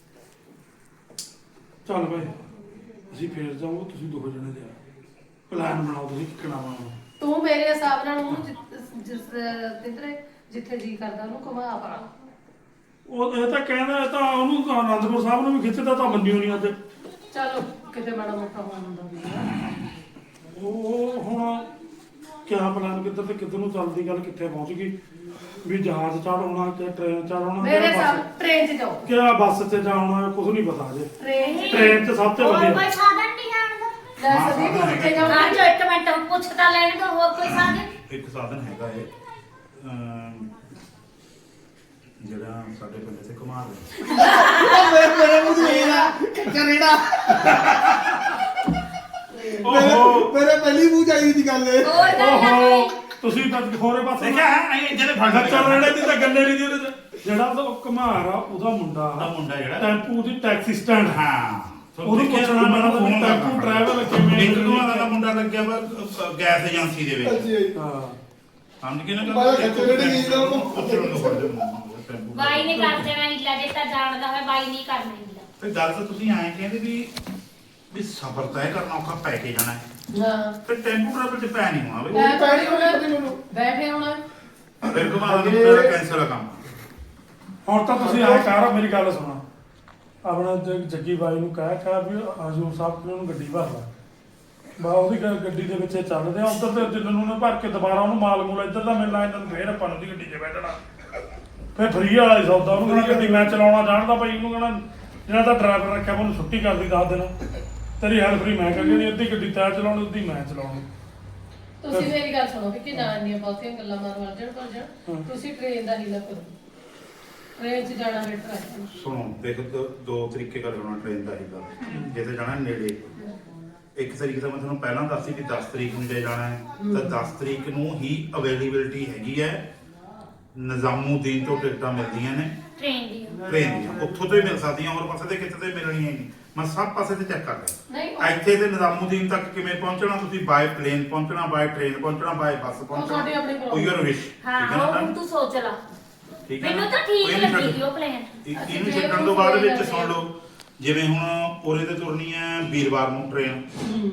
S1: ਚੱਲ ਭਾਈ ਅਸੀਂ ਫੇਰ ਜਾਵਾਂਗੇ ਤੁਸੀਂ ਦੋ ਜਣੇ ਜਾ ਪਲਾਨ ਬਣਾਓ ਤੁਸੀਂ ਕਿੱਕਣਾ ਵਾ
S5: ਤੂੰ ਮੇਰੇ ਹਿਸਾਬ ਨਾਲ ਉਹਨੂੰ ਜਿ- ਜਿਸ ਜਿੱਧਰੇ ਜਿੱਥੇ ਜੀ ਕਰਦਾ ਉਹਨੂੰ ਘੁਮਾ ਪਾ
S1: ਉਹ ਇਹ ਤਾਂ ਕਹਿੰਦਾ ਇਹ ਤਾਂ ਉਹਨੂੰ ਤਾਂ ਅਨੰਦਪੁਰ ਸਾਹਿਬ ਨੂੰ ਵੀ ਖਿੱਚਦਾ ਤਾਂ ਮੰਨਿਓ ਨਹੀਂ ਅੱਜ
S5: ਚਲੋ ਕਿਤੇ ਮਾੜਾ ਮੋਟਾ ਹੋਣ ਹੁੰਦਾ ਵੀ ਆ।
S1: ਉਹ ਹੁਣ ਕਿਆ ਪਲਾਨ ਕਿੱਧਰ ਤੇ ਕਿੱਧਰ ਨੂੰ ਚੱਲਦੀ ਗੱਲ ਕਿੱਥੇ ਪਹੁੰਚ ਗਈ ਵੀ ਜਹਾਜ਼ ਚੜਾਉਣਾ ਕਿ ਟ੍ਰੇਨ ਚੜਾਉਣਾ
S5: ਮੇਰੇ ਹਿਸਾਬ ਟ੍ਰੇਨ 'ਚ ਜਾਓ
S1: ਕਿਆ ਬੱਸ ਤੇ ਜਾਣਾ ਕੁਝ ਨਹੀਂ ਪਤਾ ਅਜੇ
S5: ਟ੍ਰੇਨ 'ਚ
S1: ਟ੍ਰੇਨ 'ਚ ਸਭ ਤੋਂ
S2: ਹੋਰ
S1: ਵਧੀਆ
S2: ਕੋਈ ਸਾਧਨ ਨਹੀਂ ਜਾਣ ਦਾ
S5: ਲੈ ਸਦੀ ਤੂੰ ਕਿੱਥੇ
S2: ਹਾਂ
S5: ਜਾਊਂਗੀ
S2: ਜੋ ਇੱਕ ਮਿੰਟ ਪੁੱਛ ਤਾਂ ਲੈਣ ਦੋ ਹੋਰ ਕੋਈ ਸਾਧਨ
S3: ਇੱਕ ਸਾਧਨ ਹੈਗਾ ਏ ਅਮ, ਜਿਹੜਾ ਸਾਡੇ ਪਿੰਡ ਤੇ ਘੁਮਾ ਦੇ
S4: ਮੇਰੇ ਮੇਰੇ ਮੂੰਹ ਦੀ ਵੇਲਾ ਕਰੇੜਾ
S1: ਓਹੋ
S4: ਮੇਰੇ ਪਹਿਲੀ ਮੂੰਹ ਚਾਹੀਦੀ ਦੀ ਗੱਲ ਇਹ
S2: ਹੋਰ ਗੱਲ ਨਾ
S1: ਓਹੋ
S2: ਕੋਈ
S1: ਤੁਸੀਂ ਤਾਂ ਹੋਰੇ ਪਾਸੇ
S3: ਦੇਖਿਆ ਹੈ ਇਹ ਜਿਹੜੇ ਫੜ
S1: ਚੱਲ ਰਹੇ ਦੀ ਤਾਂ ਗੱਲੇ ਨਹੀਂ ਦੀ ਉਹਦੇ ਚ ਜਿਹੜਾ ਉਹ ਘਮਾਰ ਆ ਉਹਦਾ ਮੁੰਡਾ
S3: ਉਹਦਾ ਮੁੰਡਾ ਜਿਹੜਾ
S1: ਟੈਂਪੂ ਦੀ ਟੈਕਸੀ ਸਟੈਂਡ
S3: ਹਾਂ
S1: ਉਹਨੂੰ ਪੁੱਛਣਾ ਮੈਨਾਂ ਦਾ ਵੀ ਟੈਂਪੂ ਟਰੈਵਲ ਕਿਵੇਂ
S3: ਇੱਕ ਤੋਂ ਦਾ ਮੁੰਡਾ ਲੱਗਿਆ ਵਾ ਅ, ਗੈਸ ਏਜੰਸੀ ਦੇ ਵਿੱਚ
S4: ਅੱਛੀ ਆਈ
S1: ਹਾਂ
S3: ਸਮਝ ਕੇ ਨਾ
S4: ਬਾਹਰ ਖੱਚੇ ਜਿਹੜੇ ਨਹੀਂ ਤਾਂ ਉਹਨੂੰ
S2: ਬਾਈ ਨੇ ਕਰ ਦੇਣਾ ਹੀਲਾ ਜੇ ਤਾਂ ਜਾਣਦਾ ਹੋਵੇ ਬਾਈ ਨਹੀਂ ਕਰਨਾ ਹੀਲਾ
S3: ਤੇ ਗੱਲ ਤਾਂ ਤੁਸੀਂ ਐਂ ਕਹਿੰਦੇ ਵੀ ਵੀ ਸਫ਼ਰ ਤੈਅ ਕਰਨਾ ਔਖਾ ਪੈ ਕੇ ਜਾਣਾ ਹੈ
S5: ਹਾਂ
S3: ਤੇ ਟੈਂਪੂ ਟਰੈਵਲ ਤੇ ਪੈ ਨਹੀਂ ਹੋਣਾ
S5: ਲੈ
S3: ਬਈ
S5: ਪੈਣੀ ਹੋਣਾ ਬੈਠੇ ਹੋਣਾ
S3: ਫਿਰ ਘੁਮਾ ਦਾ ਮੇਰਾ ਕੈਂਸਲ ਆ ਕੰਮ
S1: ਹੁਣ ਤਾਂ ਤੁਸੀਂ ਆਏ ਕਰ ਮੇਰੀ ਗੱਲ ਸੁਣੋ ਆਪਣਾ ਜ- ਜੱਗੀ ਬਾਈ ਨੂੰ ਕਹਿ ਕਹਿ ਵੀ ਹਜੂਰ ਸਾਹਿਬ ਨੂੰ ਉਹਨੂੰ ਗੱਡੀ ਭਰ ਲਾ ਬਾ ਉਹਦੀ ਗ- ਗੱਡੀ ਦੇ ਵਿੱਚ ਇਹ ਚੱਲਦੇ ਆ ਉੱਧਰ ਤੇ ਜਿੰਨ ਨੂੰ ਨੇ ਭਰ ਕੇ ਦੁਬਾਰਾ ਉਹਨੂੰ ਮਾਲ ਮੂਲ ਇੱਧਰ ਦਾ ਮਿਲਣਾ ਇਹਨਾਂ ਨੂੰ ਫੇਰ ਆਪਾਂ ਨੂੰ ਦੀ ਗੱਡੀ 'ਚ ਬੈਠਣਾ ਫੇਰ ਫਰੀ ਵਾਲਾ ਹੀ ਸੌਦਾ ਉਹਨੂੰ ਕਹਿੰਦਾ ਗੱਡੀ ਮੈਂ ਚਲਾਉਣਾ ਜਾਣਦਾ ਭਾਈ ਉਹਨੂੰ ਕਹਿੰਦਾ ਜਿਹੜਾ ਤਾਂ ਡਰਾਈਵਰ ਰੱਖਿਆ ਉਹਨੂੰ ਛੁੱਟੀ ਕਰਦੀ ਦੱਸ ਦੇਣਾ ਤੇਰੀ ਹੈਲਪ ਫਰੀ ਮੈਂ ਕਰੀ ਨਹੀਂ ਅੱਧੀ ਗੱਡੀ ਤੈਂ ਚਲਾਉਣੀ ਅੱਧੀ ਮੈਂ ਚਲਾਉਣੀ
S5: ਤੁਸੀਂ ਮੇਰੀ ਗੱਲ ਸੁਣੋ ਕਿ ਨਾ ਇੰਨੀਆਂ ਬਹੁਤੀਆਂ ਗੱਲਾਂ ਮਾਰੋ ਅਰਜਣ ਪਰ ਜਣ ਤੁਸੀਂ ਟ੍ਰੇਨ ਦਾ ਹੀਲਾ ਕਰੋ ਟ੍ਰੇਨ 'ਚ ਜਾਣਾ ਬੈਟਰ ਹੈ
S3: ਸੁਣੋ ਦੇਖ ਦੋ, ਦੋ ਤਰੀਕੇ ਕਰ ਹੋਣਾ ਟ੍ਰੇਨ ਦਾ ਹੀਗਾ ਜੇ ਤੇ ਜਾਣਾ ਨੇੜੇ ਇੱਕ ਤਰੀਕ ਤਾਂ ਮੈਂ ਤੁਹਾਨੂੰ ਪਹਿਲਾਂ ਦੱਸੀ ਵੀ ਦਸ ਤਰੀਕ ਨੂੰ ਜੇ ਜਾਣਾ ਹੈ ਤਾਂ ਦਸ ਤਰੀਕ ਨੂੰ ਹੀ ਅਵੇਲੇਬਿਲਟੀ ਹੈਗੀ ਹੈ ਨਿਜ਼ਾਮੂਦੀਨ ਤੋਂ ਟਿਕਟਾਂ ਮਿਲਦੀਆਂ ਨੇ
S2: ਟ੍ਰੇਨ ਦੀ
S3: ਟ੍ਰੇਨ ਦੀਆਂ ਉੱਥੋਂ ਤੋਂ ਹੀ ਮਿਲ ਸਕਦੀਆਂ ਹੋਰ ਪਾਸੇ ਤੇ ਕਿਤੇ ਤੇ ਮਿਲਣੀਆਂ ਨਹੀਂ ਮੈਂ ਸਭ ਪਾਸੇ ਤੇ ਚੈੱਕ ਕਰ ਲਿਆ
S5: ਨਹੀਂ ਉਹ-
S3: ਇੱਥੇ ਤੇ ਨਿਜ਼ਾਮੂਦੀਨ ਤੱਕ ਕਿਵੇਂ ਪਹੁੰਚਣਾ ਤੁਸੀਂ ਬਾਏ ਪਲੇਨ ਪਹੁੰਚਣਾ ਬਾਏ ਟ੍ਰੇਨ ਪਹੁੰਚਣਾ ਬਾਏ ਬੱਸ
S5: ਤੁਹਾਡੀ
S3: ਪਹੁੰਚਣਾ
S5: ਆਪਣੀ
S3: ਉਹ ਯੂਰ ਵਿਸ਼
S2: ਹਾਂ ਉਹ ਹੁਣ ਤੂੰ ਸੋਚ ਲਾ
S3: ਠੀਕ ਹੈ
S2: ਮੈਨੂੰ
S3: ਨਾ?
S2: ਤਾਂ ਠੀਕ
S3: ਕੋਈ ਨਹੀਂ
S2: ਲੱਗੀ
S3: ਛੱਡ-
S2: ਸੀ ਉਹ ਪਲਾਨ
S3: ਇਹ-
S5: ਅਸੀਂ
S3: ਇਹਨੂੰ
S5: ਜੇ
S3: ਛੱਡਣ
S5: ਉਹਨੂੰ
S3: ਤੋਂ ਬਾਅਦ
S5: ਕੋਈ
S3: ਵਿੱਚ
S5: ਗੱਲ
S3: ਸੁਣ ਲਓ ਜਿਵੇਂ ਹੁਣ ਉਰੇ ਤੇ ਤੁਰਨੀ ਹੈ ਵੀਰਵਾਰ ਨੂੰ ਟ੍ਰੇਨ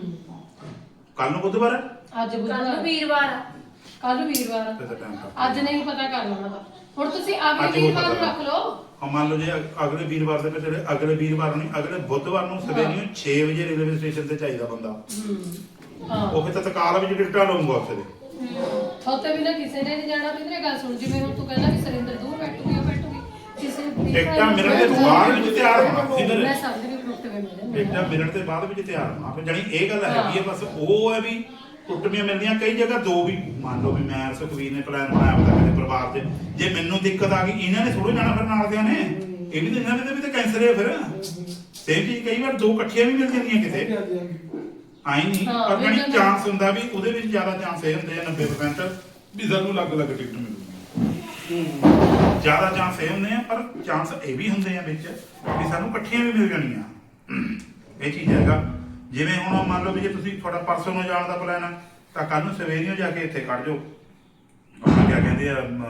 S3: ਕੱਲ ਨੂੰ ਬੁੱਧਵਾਰ ਹੈ
S5: ਅੱਜ
S2: ਕੱਲ
S5: ਬੁੱਧਵਾਰ
S2: ਵੀਰਵਾਰ ਆ।
S5: ਕੱਲ ਵੀਰਵਾਰ
S3: ਤੇ ਤਾਂ ਟਾਈਮ ਕੱਟ
S5: ਅੱਜ ਨਹੀਂ ਪਤਾ ਕਰ ਲੈਣਾ ਤਾਂ ਹੁਣ ਤੁਸੀਂ
S3: ਅੱਜ
S5: ਅਗਲੇ
S3: ਹੋ
S5: ਵੀਰਵਾਰ ਨੂੰ
S3: ਸਕਦਾ।
S5: ਰੱਖ ਲਓ
S3: ਹਾਂ ਮੰਨ ਲਓ ਜੇ ਅਗ- ਅਗਲੇ ਵੀਰਵਾਰ ਦੇ ਵਿੱਚ ਜਿਹੜੇ ਅਗਲੇ ਵੀਰਵਾਰ ਨਹੀਂ ਅਗਲੇ ਬੁੱਧਵਾਰ ਨੂੰ ਸਵੇਰੇ ਛੇ ਵਜੇ ਰੇਲਵੇ ਸਟੇਸ਼ਨ ਤੇ ਚਾਹੀਦਾ ਬੰਦਾ
S5: ਹਾਂ
S3: ਉਹ ਫਿਰ ਤਤਕਾਲ ਵਿੱਚ ਟਿਕਟਾਂ ਲਊਗਾ ਉੱਥੇ ਦੇ
S5: ਥੋਤੇ ਵੀ ਨਾ ਕਿਸੇ ਨੇ ਨਹੀਂ ਜਾਣਾ ਵੀ ਤੇਰੇ ਗੱਲ ਸੁਣ ਜਿਵੇਂ ਹੁਣ ਤੂੰ ਕਹਿੰਦਾ ਵੀ ਸਰਿੰਦਰ ਦੂਰ ਬੈਠੂਗੀ ਉਹ ਬੈਠੂਗੀ ਕਿਸੇ ਦੀ
S3: ਟਿਕਟਾਂ ਮਿਲਣ ਦੇ ਬਾਅਦ ਵਿੱਚ ਤਿਆਰ ਹੋਣਾ
S5: ਮੈਂ
S3: ਸਿੱਧਰ
S5: ਸਮਝ ਗਈ ਟੁੱਟ ਗਏ ਮੇਰੇ
S3: ਟਿਕਟਾਂ ਮਿਲਣ ਦੇ ਬਾਅਦ ਵਿੱਚ ਤਿਆਰ ਹੋਣਾ ਫਿਰ ਜਾਣੀ ਇਹ ਗੱਲ ਹੈਗੀ ਹੈ ਬਸ ਉਹ ਹੈ ਵੀ ਟੁੱਟਵੀਆਂ ਮਿਲਦੀਆਂ ਕਈ ਜਗ੍ਹਾ ਦੋ ਵੀ ਮੰਨ ਲਓ ਵੀ ਮੈਂ ਸੁਖਵੀਰ ਨੇ ਪਲਾਨ ਬਣਾਇਆ ਹੁੰਦਾ ਮੇਰੇ ਪਰਿਵਾਰ 'ਚ ਜੇ ਮੈਨੂੰ ਦਿੱਕਤ ਆ ਗਈ ਇਹਨਾਂ ਨੇ ਥੋੜ੍ਹਾ ਜਾਣਾ ਫਿਰ ਨਾਲ ਦਿਆਂ ਨੇ ਇਹ ਵੀ ਤਾਂ ਇਹਨਾਂ ਦੇ ਵੀ ਤਾਂ ਕੈਂਸਰ ਹੈ ਫਿਰ ਸੇਮ ਚੀਜ਼ ਕਈ ਵਾਰ ਦੋ ਇਕੱਠੀਆਂ ਵੀ ਮਿਲ ਜਾਂਦੀਆਂ ਕਿਤੇ ਆਈ ਨਹੀਂ
S5: ਹਾਂ,
S3: ਪਰ
S5: ਵੀ
S3: ਜਿਹੜੀ
S5: ਤਾਂ-
S3: ਚਾਂਸ ਹੁੰਦਾ ਵੀ ਉਹਦੇ ਵਿੱਚ ਜ਼ਿਆਦਾ ਚਾਂਸ ਇਹ ਹੁੰਦੇ ਆ ਨੱਬੇ ਪਰਸੈਂਟ ਵੀ ਸਾਨੂੰ ਅਲੱਗ-ਅਲੱਗ ਟਿਕਟ ਮਿਲੂਗੀ ਜ਼ਿਆਦਾ ਚਾਂਸ ਇਹ ਹੁੰਦੇ ਆ ਪਰ ਚਾਂਸ ਇਹ ਵੀ ਹੁੰਦੇ ਆ ਵਿੱਚ ਵੀ ਸਾਨੂੰ ਇਕੱਠੀਆਂ ਵੀ ਮਿਲ ਜਾਣੀਆਂ ਇਹ ਚੀਜ਼ ਹੈਗਾ ਜਿਵੇਂ ਹੁਣ ਮੰਨ ਲਓ ਵੀ ਜੇ ਤੁਸੀਂ ਤੁਹਾਡਾ ਪਰਸੋਂ ਨੂੰ ਜਾਣ ਦਾ ਪਲਾਨ ਆ ਤਾਂ ਕੱਲ ਨੂੰ ਸਵੇਰੇ ਜਾ ਕੇ ਇੱਥੇ ਖੜ ਜਾਓ ਆਪਣਾ ਕੀ ਕਹਿੰਦੇ ਆ ਅਮ,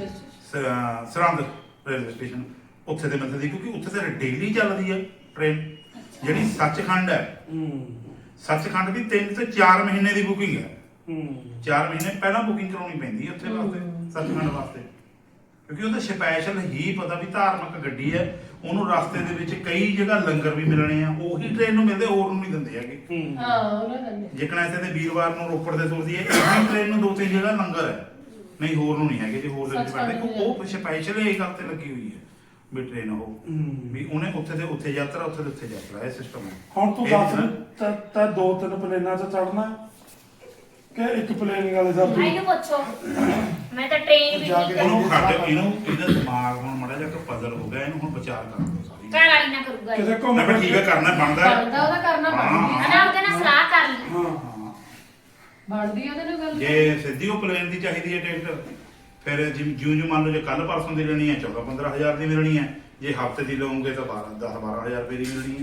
S3: ਸ- ਸਰਹੰਦ ਰੇਲਵੇ ਸਟੇਸ਼ਨ ਉੱਥੇ ਤੇ ਮਿਲਦੀ ਦੀ ਕਿਉਂਕਿ ਉੱਥੇ ਤੇ ਡੇਲੀ ਚੱਲਦੀ ਹੈ ਟ੍ਰੇਨ ਜਿਹੜੀ ਸੱਚਖੰਡ ਹੈ ਸੱਚਖੰਡ ਦੀ ਤਿੰਨ ਤੋਂ ਚਾਰ ਮਹੀਨੇ ਦੀ ਬੁਕਿੰਗ ਹੈ ਚਾਰ ਮਹੀਨੇ ਪਹਿਲਾਂ ਬੁਕਿੰਗ ਕਰਾਉਣੀ ਪੈਂਦੀ ਹੈ ਉੱਥੇ ਵਾਸਤੇ ਸੱਚਖੰਡ ਵਾਸਤੇ ਕਿਉਂਕਿ ਉਹਦਾ ਸਪੈਸ਼ਲ ਹੀ ਪਤਾ ਵੀ ਧਾਰਮਿਕ ਗੱਡੀ ਹੈ ਉਹਨੂੰ ਰਸਤੇ ਦੇ ਵਿੱਚ ਕਈ ਜਗ੍ਹਾ ਲੰਗਰ ਵੀ ਮਿਲਣੇ ਆ ਉਹੀ ਟ੍ਰੇਨ ਨੂੰ ਮਿਲਦੇ ਹੋਰ ਨੂੰ ਨਹੀਂ ਦਿੰਦੇ ਹੈਗੇ
S5: ਹਾਂ ਉਹਨਾਂ ਨੇ
S3: ਜਿਕਣਾ ਇੱਥੇ ਤੇ ਵੀਰਵਾਰ ਨੂੰ ਰੋਪੜ ਦੇ ਤੁਰਦੀ ਹੈ ਇਹੀ ਟ੍ਰੇਨ ਨੂੰ ਦੋ ਤਿੰਨ ਜਗ੍ਹਾ ਲੰਗਰ ਹੈ ਨਹੀਂ ਹੋਰ ਨੂੰ ਨਹੀਂ ਹੈਗੇ ਜੇ ਹੋਰ ਦੇ ਵਿੱਚ ਬੈਠਦੇ ਕਿਉਂਕਿ ਉਹ ਸਪੈਸ਼ਲ ਇਹ ਗੱਲ ਤੇ ਲੱਗੀ ਹੋਈ ਹੈ ਵੀ ਟ੍ਰੇਨ ਉਹ ਵੀ ਉਹਨੇ ਉੱਥੇ ਤੇ ਉੱਥੇ ਯਾਤਰਾ ਉੱਥੇ ਤੇ ਉੱਥੇ ਯਾਤਰਾ ਇਹ ਸਿਸਟਮ ਹੈ
S1: ਹੁਣ ਤੂੰ
S3: ਇਹ
S1: ਦੱਸ
S3: ਨਾ-
S1: ਤਾਂ ਤਾਂ ਦੋ ਤਿੰਨ ਪਲੇਨਾਂ 'ਚ ਚੜਨਾ ਕਿ ਇੱਕ ਪਲੇਨ ਵਾਲੇ ਦਾ
S2: ਇਹਨੂੰ ਪੁੱਛੋ ਮੈਂ ਤਾਂ ਟ੍ਰੇਨ ਵੀ
S4: ਜਾ
S2: ਨਹੀਂ
S4: ਕੇ
S3: ਉਹਨੂੰ ਖੱਟ ਇਹਨੂੰ ਇਹਦਾ ਦਿਮਾਗ ਹੁਣ ਮੜਾ ਜਾ ਕੇ ਪਜ਼ਲ ਹੋ ਗਿਆ ਇਹਨੂੰ ਹੁਣ ਵਿਚਾਰ ਕਰਨ ਦਿਓ ਸਾਰੀ
S2: ਘਰ ਵਾਲੀ ਨਾ ਕਰੂਗਾ ਇਹ।
S1: ਕਿਤੇ ਘੁੰਮ
S3: ਮੈਂ ਕਿਹਾ ਠੀਕ ਹੈ ਕਰਨਾ ਬਣਦਾ ਹੈ।
S5: ਬਣਦਾ ਉਹਦਾ ਕਰਨਾ
S3: ਹਾਂ।
S5: ਬਣਦੀ
S2: ਹਨਾ ਉਹਦੇ ਨਾਲ ਸਲਾਹ ਕਰ ਲਈ।
S1: ਹਾਂ
S3: ਹਾਂ।
S5: ਬਣਦੀ ਉਹਦੇ ਨਾਲ ਗੱਲ
S3: ਜੇ ਸਿੱਧੀ ਉਹ ਪਲੇਨ ਦੀ ਚਾਹੀਦੀ ਹੈ ਟਿਕਟ ਫਿਰ ਜਿਉਂ ਜਿਉਂ ਮੰਨ ਲਓ ਜੇ ਕੱਲ ਪਰਸੋਂ ਦੀ ਲੈਣੀ ਹੈ ਚੌਦਾਂ ਪੰਦਰਾਂ ਹਜ਼ਾਰ ਦੀ ਮਿਲਣੀ ਹੈ, ਜੇ ਹਫਤੇ ਦੀ ਲਓਗੇ ਤਾਂ ਬਾਰਾਂ ਦਸ ਬਾਰਾਂ ਹਜ਼ਾਰ ਰੁਪਏ ਦੀ ਮਿਲਣੀ ਹੈ।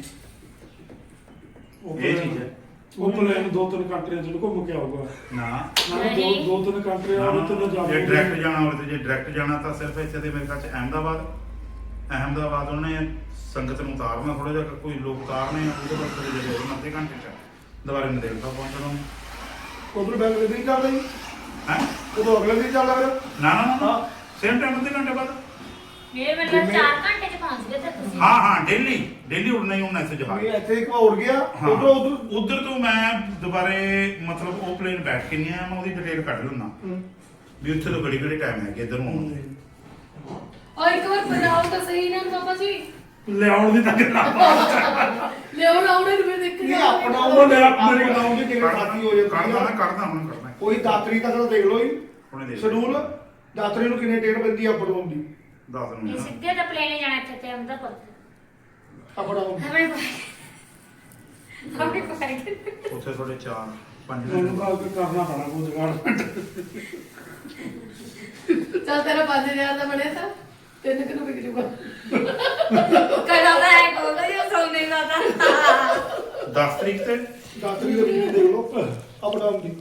S1: ਉਹ
S3: ਇਹ ਚੀਜ਼ ਹੈ।
S1: ਉਹ ਪਲੇਨ ਦੋ ਤਿੰਨ ਕੰਟਰੀਆਂ ਚ ਘੁੰਮ ਕੇ ਆਊਗਾ
S3: ਨਾ
S1: ਨਾ ਦੋ ਦੋ ਤਿੰਨ ਕੰਟਰੀਆਂ ਉਹਦੇ ਤੇ ਜਾ
S3: ਜੇ ਡਾਇਰੈਕਟ ਜਾਣਾ ਹੋਵੇ ਤੇ ਜੇ ਡਾਇਰੈਕਟ ਜਾਣਾ ਤਾਂ ਸਿਰਫ ਇੱਥੇ ਦੇ ਮੇਰੇ ਖਿਆਲ ਚ ਅਹਿਮਦਾਬਾਦ ਅਹਿਮਦਾਬਾਦ ਉਹਨੇ ਸੰਗਤ ਨੂੰ ਉਤਾਰਨਾ ਥੋੜਾ ਜਿਹਾ ਕੋਈ ਲੋਕ ਉਤਾਰਨੇ ਆ ਉਹਦੇ ਬਾਅਦ ਫਿਰ ਜਿਹੜੇ ਉਹਨਾਂ ਅੱਧੇ ਘੰਟੇ ਚ ਦੁਬਾਰੇ ਨਦੇੜਤਾ ਪਹੁੰਚਣਾ ਉਹਨੂੰ।
S4: ਉਧਰ ਬੈਂਕ ਦੇ ਨਹੀਂ ਚੱਲਦਾ ਜੀ
S3: ਹੈ
S4: ਉਦੋਂ ਅਗਲੇ ਦਿਨ ਚੱਲਦਾ ਫਿਰ
S3: ਨਾ ਨਾ ਨਾ ਸੇਮ ਟਾਈਮ ਅੱਧੇ ਘੰਟੇ ਬਾਅਦ।
S2: ਮੇਰੇ ਮਤਲਬ ਚਾਰ ਘੰਟੇ ਚ ਪਹੁੰਚ ਗਏ ਤੇ ਤੁਸੀਂ।
S3: ਹਾਂ ਹਾਂ ਡੇਲੀ ਡੇਲੀ ਉੜਨਾ ਹੀ ਉੜਨਾ ਇੱਥੇ ਜਹਾਜ਼।
S4: ਵੀ ਇੱਥੇ ਇੱਕ ਵਾਰ ਉੜ ਗਿਆ
S3: ਹਾਂ।
S4: ਉਧਰ ਉਧਰ
S3: ਉਧਰ ਤੋਂ ਮੈਂ ਦੁਬਾਰੇ ਮਤਲਬ ਉਹ ਪਲੇਨ ਬੈਠ ਕੇ ਨਹੀਂ ਆਇਆ, ਮੈਂ ਉਹਦੀ ਡਿਟੇਲ ਕੱਢ ਲੈਣਾ ਵੀ ਉੱਥੇ ਤੋਂ ਕਿਹੜੀ ਕਿਹੜੀ ਟਾਈਮ ਹੈਗੇ ਇੱਧਰ ਨੂੰ ਆਉਣ ਦੇ।
S5: ਔਰ ਇੱਕ ਵਾਰ ਬਣਾਓ ਤਾਂ ਸਹੀ ਨਾ ਬਾਬਾ ਜੀ
S1: ਲਿਆਉਣ ਦੀ ਤਾਂ ਗੱਲਾਂ
S5: ਲਿਆਓ ਲਾਉਣੇ ਨੂੰ ਦੇਖ
S4: ਨਹੀਂ ਆਪਣਾ ਉਹ ਲੈ ਮੇਰੇ ਨਾਮ ਦੀ ਟਿਕਟ ਖਾਤੀ ਹੋ
S3: ਕੱਢਦਾ
S4: ਜਾਂਦੀ
S3: ਨਾ
S4: ਹੈ
S3: ਕੱਢਦਾ ਹੁਣ ਕਰਨਾ
S4: ਕੋਈ ਦਾਤਰੀ ਦਾ ਤਾਂ ਦੇਖ ਲਓ ਜੀ
S3: ਹੁਣੇ ਦੇਖ
S4: ਸ਼ਡਿਊਲ ਦਾਤਰੀ ਨੂੰ ਕਿੰਨੇ ਟਿਕਟ ਪੈਂਦੀ ਆ ਅਪ ਡਾਊਨ ਦੀ
S3: ਦੱਸ
S2: ਇਹ
S3: ਦਿੰਦਾ
S2: ਸਿੱਧੇ ਤਾਂ ਪਲੇਨ ਜਾਣਾ ਇੱਥੇ ਤੇ ਅੰਦਰ ਪਰ
S4: ਅਪ ਡਾਊਨ
S2: ਹਮੇ ਹਮੇ ਪਾਈ
S3: ਉੱਥੇ ਥੋੜੇ ਚਾਰ ਪੰਜ
S1: ਮੈਨੂੰ
S3: ਮਿੰਟ
S1: ਤਾਂ ਕਰਨਾ ਪੈਣਾ ਕੋਈ ਜਗਾੜ
S5: ਚੱਲ ਤੇਰਾ ਪੰਜ ਹਜ਼ਾਰ ਦਾ ਬਣਿਆ ਤਾਂ ਤਿੰਨ ਕਿ ਨੂੰ ਵਿਕ ਜੂਗਾ
S2: ਕਦਾ ਹੈ ਕੋਲ ਹੀ ਸੋਨੇ ਦਾ ਤਾਂ
S3: ਦਸ ਤਰੀਕ ਤੇ
S4: ਦਾਤਰੀ ਦੇ ਵਿੱਚ ਦੇਖ ਲਓ ਅਪ ਡਾਊਨ ਦੀ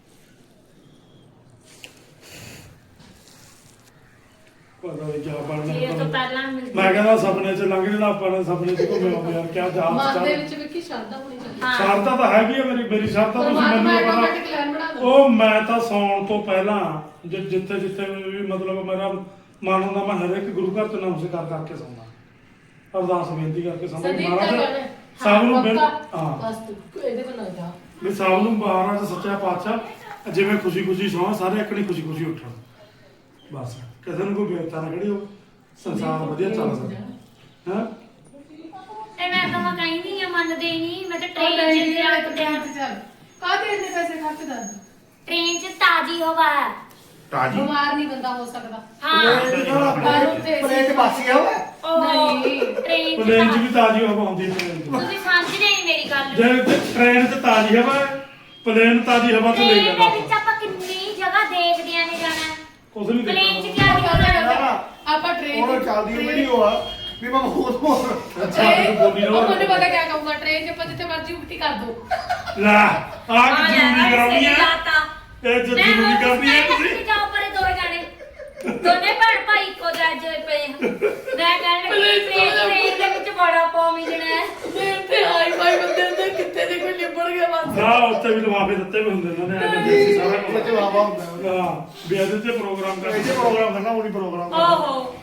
S1: ਪਤਾ ਨਹੀਂ ਕਿਆ ਬਣਨਾ
S2: ਇਹ ਤਾਂ ਪਹਿਲਾਂ ਮਿਲ
S1: ਮੈਂ ਕਹਿੰਦਾ ਸੁਪਨੇ ਚ ਲੰਘ ਜਿਹੜਾ ਆਪਾਂ ਨੇ ਸੁਪਨੇ ਚ ਘੁੰਮੇ ਆਉਂਦੇ ਯਾਰ ਕਿਆ ਜਹਾਜ਼
S5: ਮਨ ਦੇ
S1: ਚੱਲ
S5: ਵਿੱਚ ਵਿੱਕੀ ਸ਼ਰਧਾ ਹੋਣੀ ਚਾਹੀਦੀ
S2: ਹਾਂ
S1: ਸ਼ਰਤਾਂ ਤਾਂ ਹੈਗੀ ਆ ਮੇਰੀ ਮੇਰੀ ਸ਼ਰਤਾਂ ਤੁਸੀਂ
S5: ਪਰਮਾਤਮਾ
S1: ਮੈਨੂੰ
S5: ਆਟੋਮੈਟਿਕ
S1: ਪਤਾ
S5: ਪਲਾਨ ਬਣਾ ਦੋ
S1: ਉਹ ਮੈਂ ਤਾਂ ਸੌਣ ਤੋਂ ਪਹਿਲਾਂ ਜਿ- ਜਿੱਥੇ ਜਿੱਥੇ ਵੀ ਮਤਲਬ ਮੇਰਾ ਮਨ ਹੁੰਦਾ ਮੈਂ ਹਰ ਇੱਕ ਗੁਰੂ ਘਰ ਚ ਨਮਸਕਾਰ ਕਰਕੇ ਸੌਂਦਾ ਅਰਦਾਸ ਬੇਨਤੀ ਕਰਕੇ ਸੌਂਦਾ ਵੀ
S5: ਸੰਦੀਪ ਦਾ
S1: ਮਹਾਰਾਜ
S5: ਗਾਣਾ
S1: ਸਭ ਨੂੰ ਬਿਲ-
S5: ਪੱਕਾ।
S1: ਹਾਂ
S5: ਬਸ ਤੂੰ ਇਹਦੇ ਕੋਲ ਨਾ ਜਾ
S1: ਵੀ ਸਭ ਨੂੰ ਮਹਾਰਾਜ ਸੱਚਾ ਪਾਤਸ਼ਾਹ ਜਿਵੇਂ ਖੁਸ਼ੀ ਖੁਸ਼ੀ ਸੌਂ ਸਾਰੇ ਇਕਣੀ ਖੁਸ਼ੀ ਖੁਸ਼ੀ ਉੱਠਣ ਬਸ ਕਿਸੇ ਨੂੰ ਕੋਈ ਬੇਇੱਜ਼ਤੀ ਨਾ ਕਰੀ ਉਹ ਸੰਸਾਰ ਵਧੀਆ ਚੱਲ ਸਕਦਾ ਹਾਂ
S2: ਤੇ ਮੈਂ ਤਾਂ ਮੈਂ ਕਹਿੰਦੀ ਆ ਮੰਨਦੇ ਨਹੀਂ ਮੈਂ ਤਾਂ
S5: ਉਹ
S2: ਟ੍ਰੇਨ
S5: ਨਹੀਂ
S2: ਚ
S5: ਨਹੀਂ
S2: ਲਿਆ
S5: ਤੇ ਚੱਲ ਕਾਹਦੇ ਇੰਨੇ ਪੈਸੇ ਖਰਚ ਕਰ
S2: ਟ੍ਰੇਨ ਚ ਤਾਜ਼ੀ ਹਵਾ ਹੈ।
S3: ਤਾਜੀ
S5: ਬਿਮਾਰ ਨਹੀਂ ਬੰਦਾ ਹੋ ਸਕਦਾ
S2: ਹਾਂ
S4: ਪਲੇਟ ਚ ਬਾਸੀ ਆ ਵਾ
S2: ਉਹ
S5: ਨਹੀਂ।
S2: ਟ੍ਰੇਨ ਚ
S1: ਪਲੇਨ ਚ
S2: ਤਾਂ-
S1: ਵੀ ਤਾਜ਼ੀ ਹਵਾ ਆਉਂਦੀ ਹੈ train 'ਚ।
S2: ਤੁਸੀਂ ਸਮਝਦੇ ਨਹੀਂ ਮੇਰੀ ਗੱਲ
S1: ਜੇ ਤੇ ਟ੍ਰੇਨ 'ਚ ਤਾਜ਼ੀ ਹਵਾ ਹੈ, ਪਲੇਨ ਤਾਜ਼ੀ ਹਵਾ 'ਚ ਲੈ
S2: ਟ੍ਰੇਨ
S1: ਜਾਂਦਾ
S2: ਦੇ ਵਿੱਚ ਆਪਾਂ ਕਿੰਨੀ ਜਗ੍ਹਾ ਦੇਖਦੇ ਆਂ ਨੇ ਜਾਣਾ
S1: ਕੁਝ ਨਹੀਂ
S2: ਪਲੇਨ ਚ
S1: ਦੇਖਣਾ
S2: ਕੀ ਹੋਣਾ
S5: ਆਪਾਂ ਟ੍ਰੇਨ
S4: ਉਹ ਚੱਲਦੀ ਵੀਡੀਓ ਆ ਵੀ ਮੈਂ ਬਹੁਤ ਬਹੁਤ
S1: ਅੱਛਾ ਤੂੰ ਬੋਲੀ ਨਾ
S5: ਉਹ ਮੈਨੂੰ ਪਤਾ ਕਿਆ ਕਹੂੰਗਾ ਟ੍ਰੇਨ 'ਚ ਆਪਾਂ ਜਿੱਥੇ ਮਰਜ਼ੀ ਉਲਟੀ ਕਰ ਦੋ
S1: ਲੈ ਆਹ ਕਿ ਜ਼ਰੂਰੀ ਕਰਾਉਣੀ ਹੈ ਇਹ ਜੇ ਜ਼ਰੂਰੀ ਕਰਨੀ ਹੈ ਤੁਸੀਂ
S2: ਜਾਓ ਪਰੇ ਦੋ ਜਾਣੇ ਦੋਨੇ ਭੈਣ ਭਾਈ ਇੱਕੋ ਜੱਜ ਪਏ ਹਨ। ਮੈਂ ਕਹਿਣ ਲੱਗੀ ਟ੍ਰੇਨ ਟ੍ਰੇਨ ਦੇ ਵਿੱਚ ਬੜਾ ਪਾ ਮਿਲਣਾ ਹੈ
S5: ਮੈਂ ਤੇ ਹਾਈ ਫਾਈ ਬੰਦੇ ਦੇ ਕਿੱਥੇ ਦੇ ਕੋਈ ਲਿਬੜ ਗਿਆ ਬਸ
S1: ਨਾ ਉੱਥੇ ਵੀ ਲਿਫਾਫੇ ਦਿੱਤੇ ਵੀ ਹੁੰਦੇ ਨੇ ਉਹਨੇ ਐਂ ਦੇ ਸਾਰਾ
S4: ਵਿੱਚ
S1: ਕੁਝ
S4: ਵਾਵਾ ਹੁੰਦਾ
S1: ਹਾਂ ਵੀ ਇਹਦੇ ਤੇ ਪ੍ਰੋਗਰਾਮ ਕਰ
S4: ਇਹ ਜੇ ਪ੍ਰੋਗਰਾਮ ਕਰਨਾ ਉਹ ਨਹੀਂ ਪ੍ਰੋਗਰਾਮ
S2: ਓਹੋ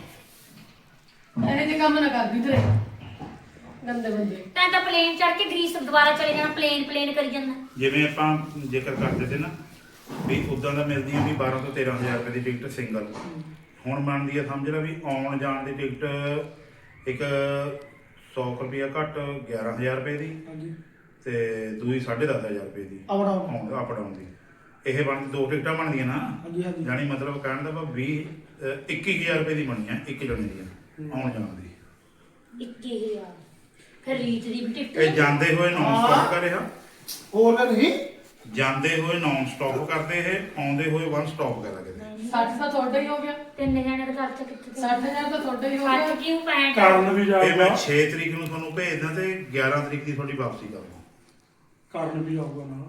S5: ਇਹ ਜੇ ਕੰਮ ਨਾ ਕਰਦੀ ਤੇਰੇ ਗੰਦੇ ਬੰਦੇ
S2: ਤਾਂ ਤਾਂ ਪਲੇਨ ਚੜ ਕੇ ਗ੍ਰੀਸ ਦੁਬਾਰਾ ਚਲੇ ਜਾਣਾ ਪਲੇਨ ਪਲੇਨ ਕਰੀ ਜਾਂਦਾ
S3: ਜਿਵੇਂ ਆਪਾਂ ਜ਼ਿਕਰ ਕਰਦੇ ਤੇ ਨਾ ਵੀ ਉਦਾਂ ਦਾ ਮਿਲਦੀਆਂ ਵੀ ਬਾਰਾਂ ਤੋਂ ਤੇਰਾਂ ਹਜ਼ਾਰ ਰੁਪਏ ਦੀ ਟਿਕਟ ਸਿੰਗਲ ਹੁਣ ਬਣਦੀ ਆ ਸਮਝ ਲੈ ਵੀ ਆਉਣ ਜਾਣ ਦੀ ਟਿਕਟ ਇੱਕ ਸੌ ਰੁਪਇਆ ਘੱਟ ਗਿਆਰਾਂ ਹਜ਼ਾਰ ਰੁਪਏ ਦੀ
S1: ਹਾਂਜੀ
S3: ਤੇ ਦੂਜੀ ਸਾਢੇ ਦਸ ਹਜ਼ਾਰ ਰੁਪਏ ਦੀ
S4: ਅਪ ਡਾਊਨ
S3: ਆਉਣ ਅਪ ਡਾਊਨ ਦੀ ਇਹ ਬਣ ਦੋ ਟਿਕਟਾਂ ਬਣਦੀਆਂ ਨਾ
S4: ਹਾਂਜੀ ਹਾਂਜੀ
S3: ਜਾਣੀ ਮਤਲਬ ਕਹਿਣ ਦਾ ਭਾਵ ਵੀਹ ਅਹ ਇੱਕੀ ਹਜ਼ਾਰ ਰੁਪਏ ਦੀ ਬਣੀ ਆ ਇੱਕ ਜਣੇ ਦੀ ਆਉਣ ਜਾਣ ਦੀ
S2: ਇੱਕੀ ਹਜ਼ਾਰ ਫਿਰ ਰੀਚ ਦੀ ਵੀ
S3: ਇਹ
S2: ਟਿਕਟ
S3: ਜਾਂਦੇ ਹੋਏ ਨਾਨ ਸਟਾਪ ਕਰ ਰਿਹਾ
S4: ਹੋਰ ਨਾ ਨਹੀਂ
S3: ਜਾਂਦੇ ਹੋਏ ਨਾਨ ਸਟਾਪ ਕਰਦੇ ਇਹ ਆਉਂਦੇ ਹੋਏ ਵਨ ਸਟਾਪ ਕਰ ਲਗੇ
S5: ਸੱਠ ਤਾਂ ਤੁਹਾਡਾ ਹੀ ਹੋ ਗਿਆ
S2: ਤਿੰਨ ਜਣੇ ਦਾ ਖਰਚਾ ਕਿੱਥੇ
S5: ਸੱਠ ਹਜ਼ਾਰ ਤਾਂ ਤੁਹਾਡਾ ਹੀ ਹੋ
S2: ਸੱਠ
S5: ਗਿਆ
S2: ਕਿਉਂ ਪੈਂਟ
S1: ਕਰਨ ਵੀ
S3: ਇਹ ਮੈਂ
S1: ਜਾਊਗਾ
S3: ਛੇ ਤਰੀਕ ਨੂੰ ਤੁਹਾਨੂੰ ਭੇਜਦਾ ਤੇ ਗਿਆਰਾਂ ਤਰੀਕ ਦੀ ਤੁਹਾਡੀ ਵਾਪਸੀ ਕਰਦਾ
S1: ਕਰਨ ਵੀ ਆਊਗਾ ਨਾਲ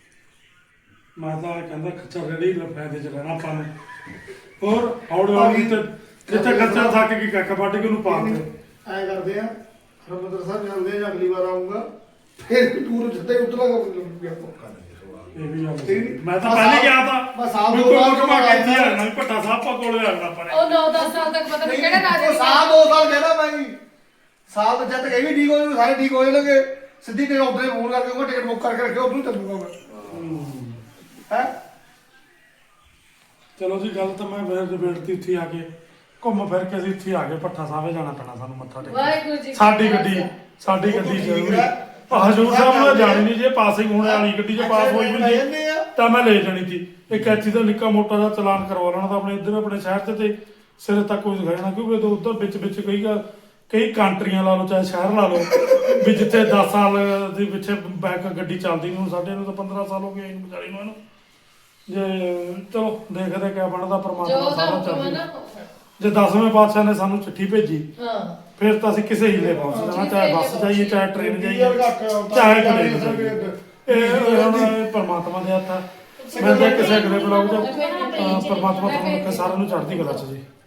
S1: ਮੈਂ ਤਾਂ ਇਹ ਕਹਿੰਦਾ ਖੱਚਾ ਰੇੜੀ ਦਾ ਫਾਇਦੇ ਚ ਰਹਿਣਾ ਆਪਾਂ ਨੇ ਹੋਰ ਹੌਲੀ ਹੌਲੀ ਤੇ ਜਿੱਥੇ ਖੱਚਾ ਥੱਕ ਗਈ ਕੱਖ ਵੱਢ ਕੇ ਉਹਨੂੰ ਪਾ ਦੇ
S4: ਐ ਕਰਦੇ ਆ ਹਰਮੰਦਰ ਸਾਹਿਬ ਜਾਂਦੇ ਆ ਜਾਂ ਅਗਲੀ ਵਾਰ ਆਉਂਗਾ ਫਿਰ ਟੂਰ ਜਿੱਦਾਂ ਹੀ ਉਤਰਾਂਗਾ ਵੀ ਆਪਾਂ
S3: ਕਰ ਲਈਏ ਸਵਾਲ।
S1: ਇਹ ਵੀ ਗੱਲ
S4: ਠੀਕ ਨੀ?
S1: ਮੈਂ ਤਾਂ ਪਹਿਲੇ ਗਿਆ ਤਾਂ
S4: ਬਸ ਆਪ
S1: ਵੀ
S4: ਦੋ
S1: ਕੋਈ
S4: ਸਾਲ
S1: ਘੁਮਾ ਕੇ ਇੱਥੇ
S4: ਬਾਅਦ
S1: ਆਣਾ ਵੀ ਭੱਟਾ ਸਾਹਿਬ ਪਾ ਕੋਲੇ ਆਣਾ ਆਪਾਂ ਨੇ
S5: ਉਹ ਨੌ ਦਸ ਸਾਲ ਤੱਕ ਪਤਾ ਨਹੀਂ ਕਿਹੜਾ ਰਾਜਾ
S4: ਉਹ ਸਾਲ ਦੋ ਸਾਲ ਕਹਿੰਦਾ ਮੈਂ ਜੀ ਸਾਲ ਤੋਂ ਜਦ ਤੱਕ ਇਹ ਵੀ ਠੀਕ ਹੋ ਜਾਊ ਸਾਰੇ ਠੀਕ ਹੋ ਜਾਣਗੇ ਸਿੱਧੀ ਤੇ ਉਧਰੇ ਫੋਨ ਕਰਕੇ ਉਹ ਟਿਕਟ ਬੁੱਕ ਕਰਕੇ ਰੱਖਿਓ ਉਧਰੋਂ ਚੱਲੂਗਾ ਮੈਂ ਹੈ
S1: ਚਲੋ ਜੀ ਗੱਲ ਤਾਂ ਮੈਂ ਫਿਰ ਬੇੜਤੀ ਇੱਥੇ ਆ ਕੇ ਘੁੰਮ ਫਿਰ ਕੇ ਅਸੀਂ ਇੱਥੇ ਆ ਗਏ ਭੱਠਾ ਸਾਹਿਬ ਜਾਣਾ ਪੈਣਾ ਸਾਨੂੰ ਮੱਥਾ ਟੇਕ
S5: ਵਾਹਿਗੁਰੂ ਜੀ
S1: ਸਾਡੀ ਗੱਡੀ ਸਾਡੀ ਗੱਡੀ ਜ਼ਰੂਰੀ ਹਜੂਰ ਸਾਹਿਬ ਨੂੰ ਜਾਣੀ ਨਹੀਂ ਜੇ ਪਾਸਿੰਗ ਹੋਣ ਵਾਲੀ ਗੱਡੀ 'ਚ ਪਾਸ ਹੋਈ ਵੀ ਸੀ ਤਾਂ ਮੈਂ ਲੈ ਜਾਣੀ ਸੀ ਇੱਕ ਐਚੀ ਦਾ ਨਿੱਕਾ ਮੋਟਾ ਦਾ ਚਲਾਨ ਕਰਵਾ ਲੈਣਾ ਤਾਂ ਆਪਣੇ ਇੱਧਰ ਆਪਣੇ ਸ਼ਹਿਰ 'ਚ ਤੇ ਸਿਰੇ ਤੱਕ ਕੋਈ ਦਿਖਾਇਆ ਨਾ ਕਿਉਂਕਿ ਉਧਰ ਵਿੱਚ ਵਿੱਚ ਕਹੀਗਾ ਕਈ ਕੰਟਰੀਆਂ ਲਾ ਲਓ ਚਾਹੇ ਸ਼ਹਿਰ ਲਾ ਲਓ ਵੀ ਜਿੱਥੇ ਦਸ ਸਾਲ ਦੇ ਪਿੱਛੇ ਬੈਕ ਗੱਡੀ ਚੱਲਦੀ ਨੂੰ ਸਾਡੇ ਨੂੰ ਤਾਂ ਪੰਦਰਾਂ ਸਾਲ ਹੋ ਗਏ ਇਹਨੂੰ ਵਿਚਾਰੀ ਨੂੰ ਇਹਨੂੰ ਜੇ ਚਲੋ ਦੇਖਦੇ ਕਿਆ ਬਣਦਾ
S5: ਜੋ
S1: ਪਰਮਾਤਮਾ
S5: ਉਹਦਾ
S1: ਸਾਰਾ
S5: ਹੁਕਮ ਹੈ
S1: ਚੱਲਦਾ
S5: ਨਾ ਉਹ ਹੈ।
S1: ਜੇ ਦਸਵੇਂ ਪਾਤਸ਼ਾਹ ਨੇ ਸਾਨੂੰ ਚਿੱਠੀ ਭੇਜੀ
S5: ਹਾਂ
S1: ਫਿਰ ਤਾਂ ਅਸੀਂ ਕਿਸੇ ਹੀਲੇ ਪਹੁੰਚ ਜਾਣਾ ਚਾਹੇ ਬੱਸ ਜਾਈਏ ਚਾਹੇ ਟ੍ਰੇਨ ਜਾਈਏ
S4: ਯਾਰ ਘੱਟ
S1: ਚਾਹੇ ਪਲੇਨ ਜਾਈਏ ਇਹ ਹੁਣ ਪਰਮਾਤਮਾ ਦੇ ਹੱਥ ਆ ਮੈਂ ਤਾਂ ਕਿਸੇ ਅਗਲੇ ਬਲੌਗ 'ਚ ਅਹ ਪਰਮਾਤਮਾ ਤੁਹਾਨੂੰ ਸਾਰਿਆਂ ਨੂੰ ਚੜ੍ਹਦੀ ਕਲਾ 'ਚ ਜੀ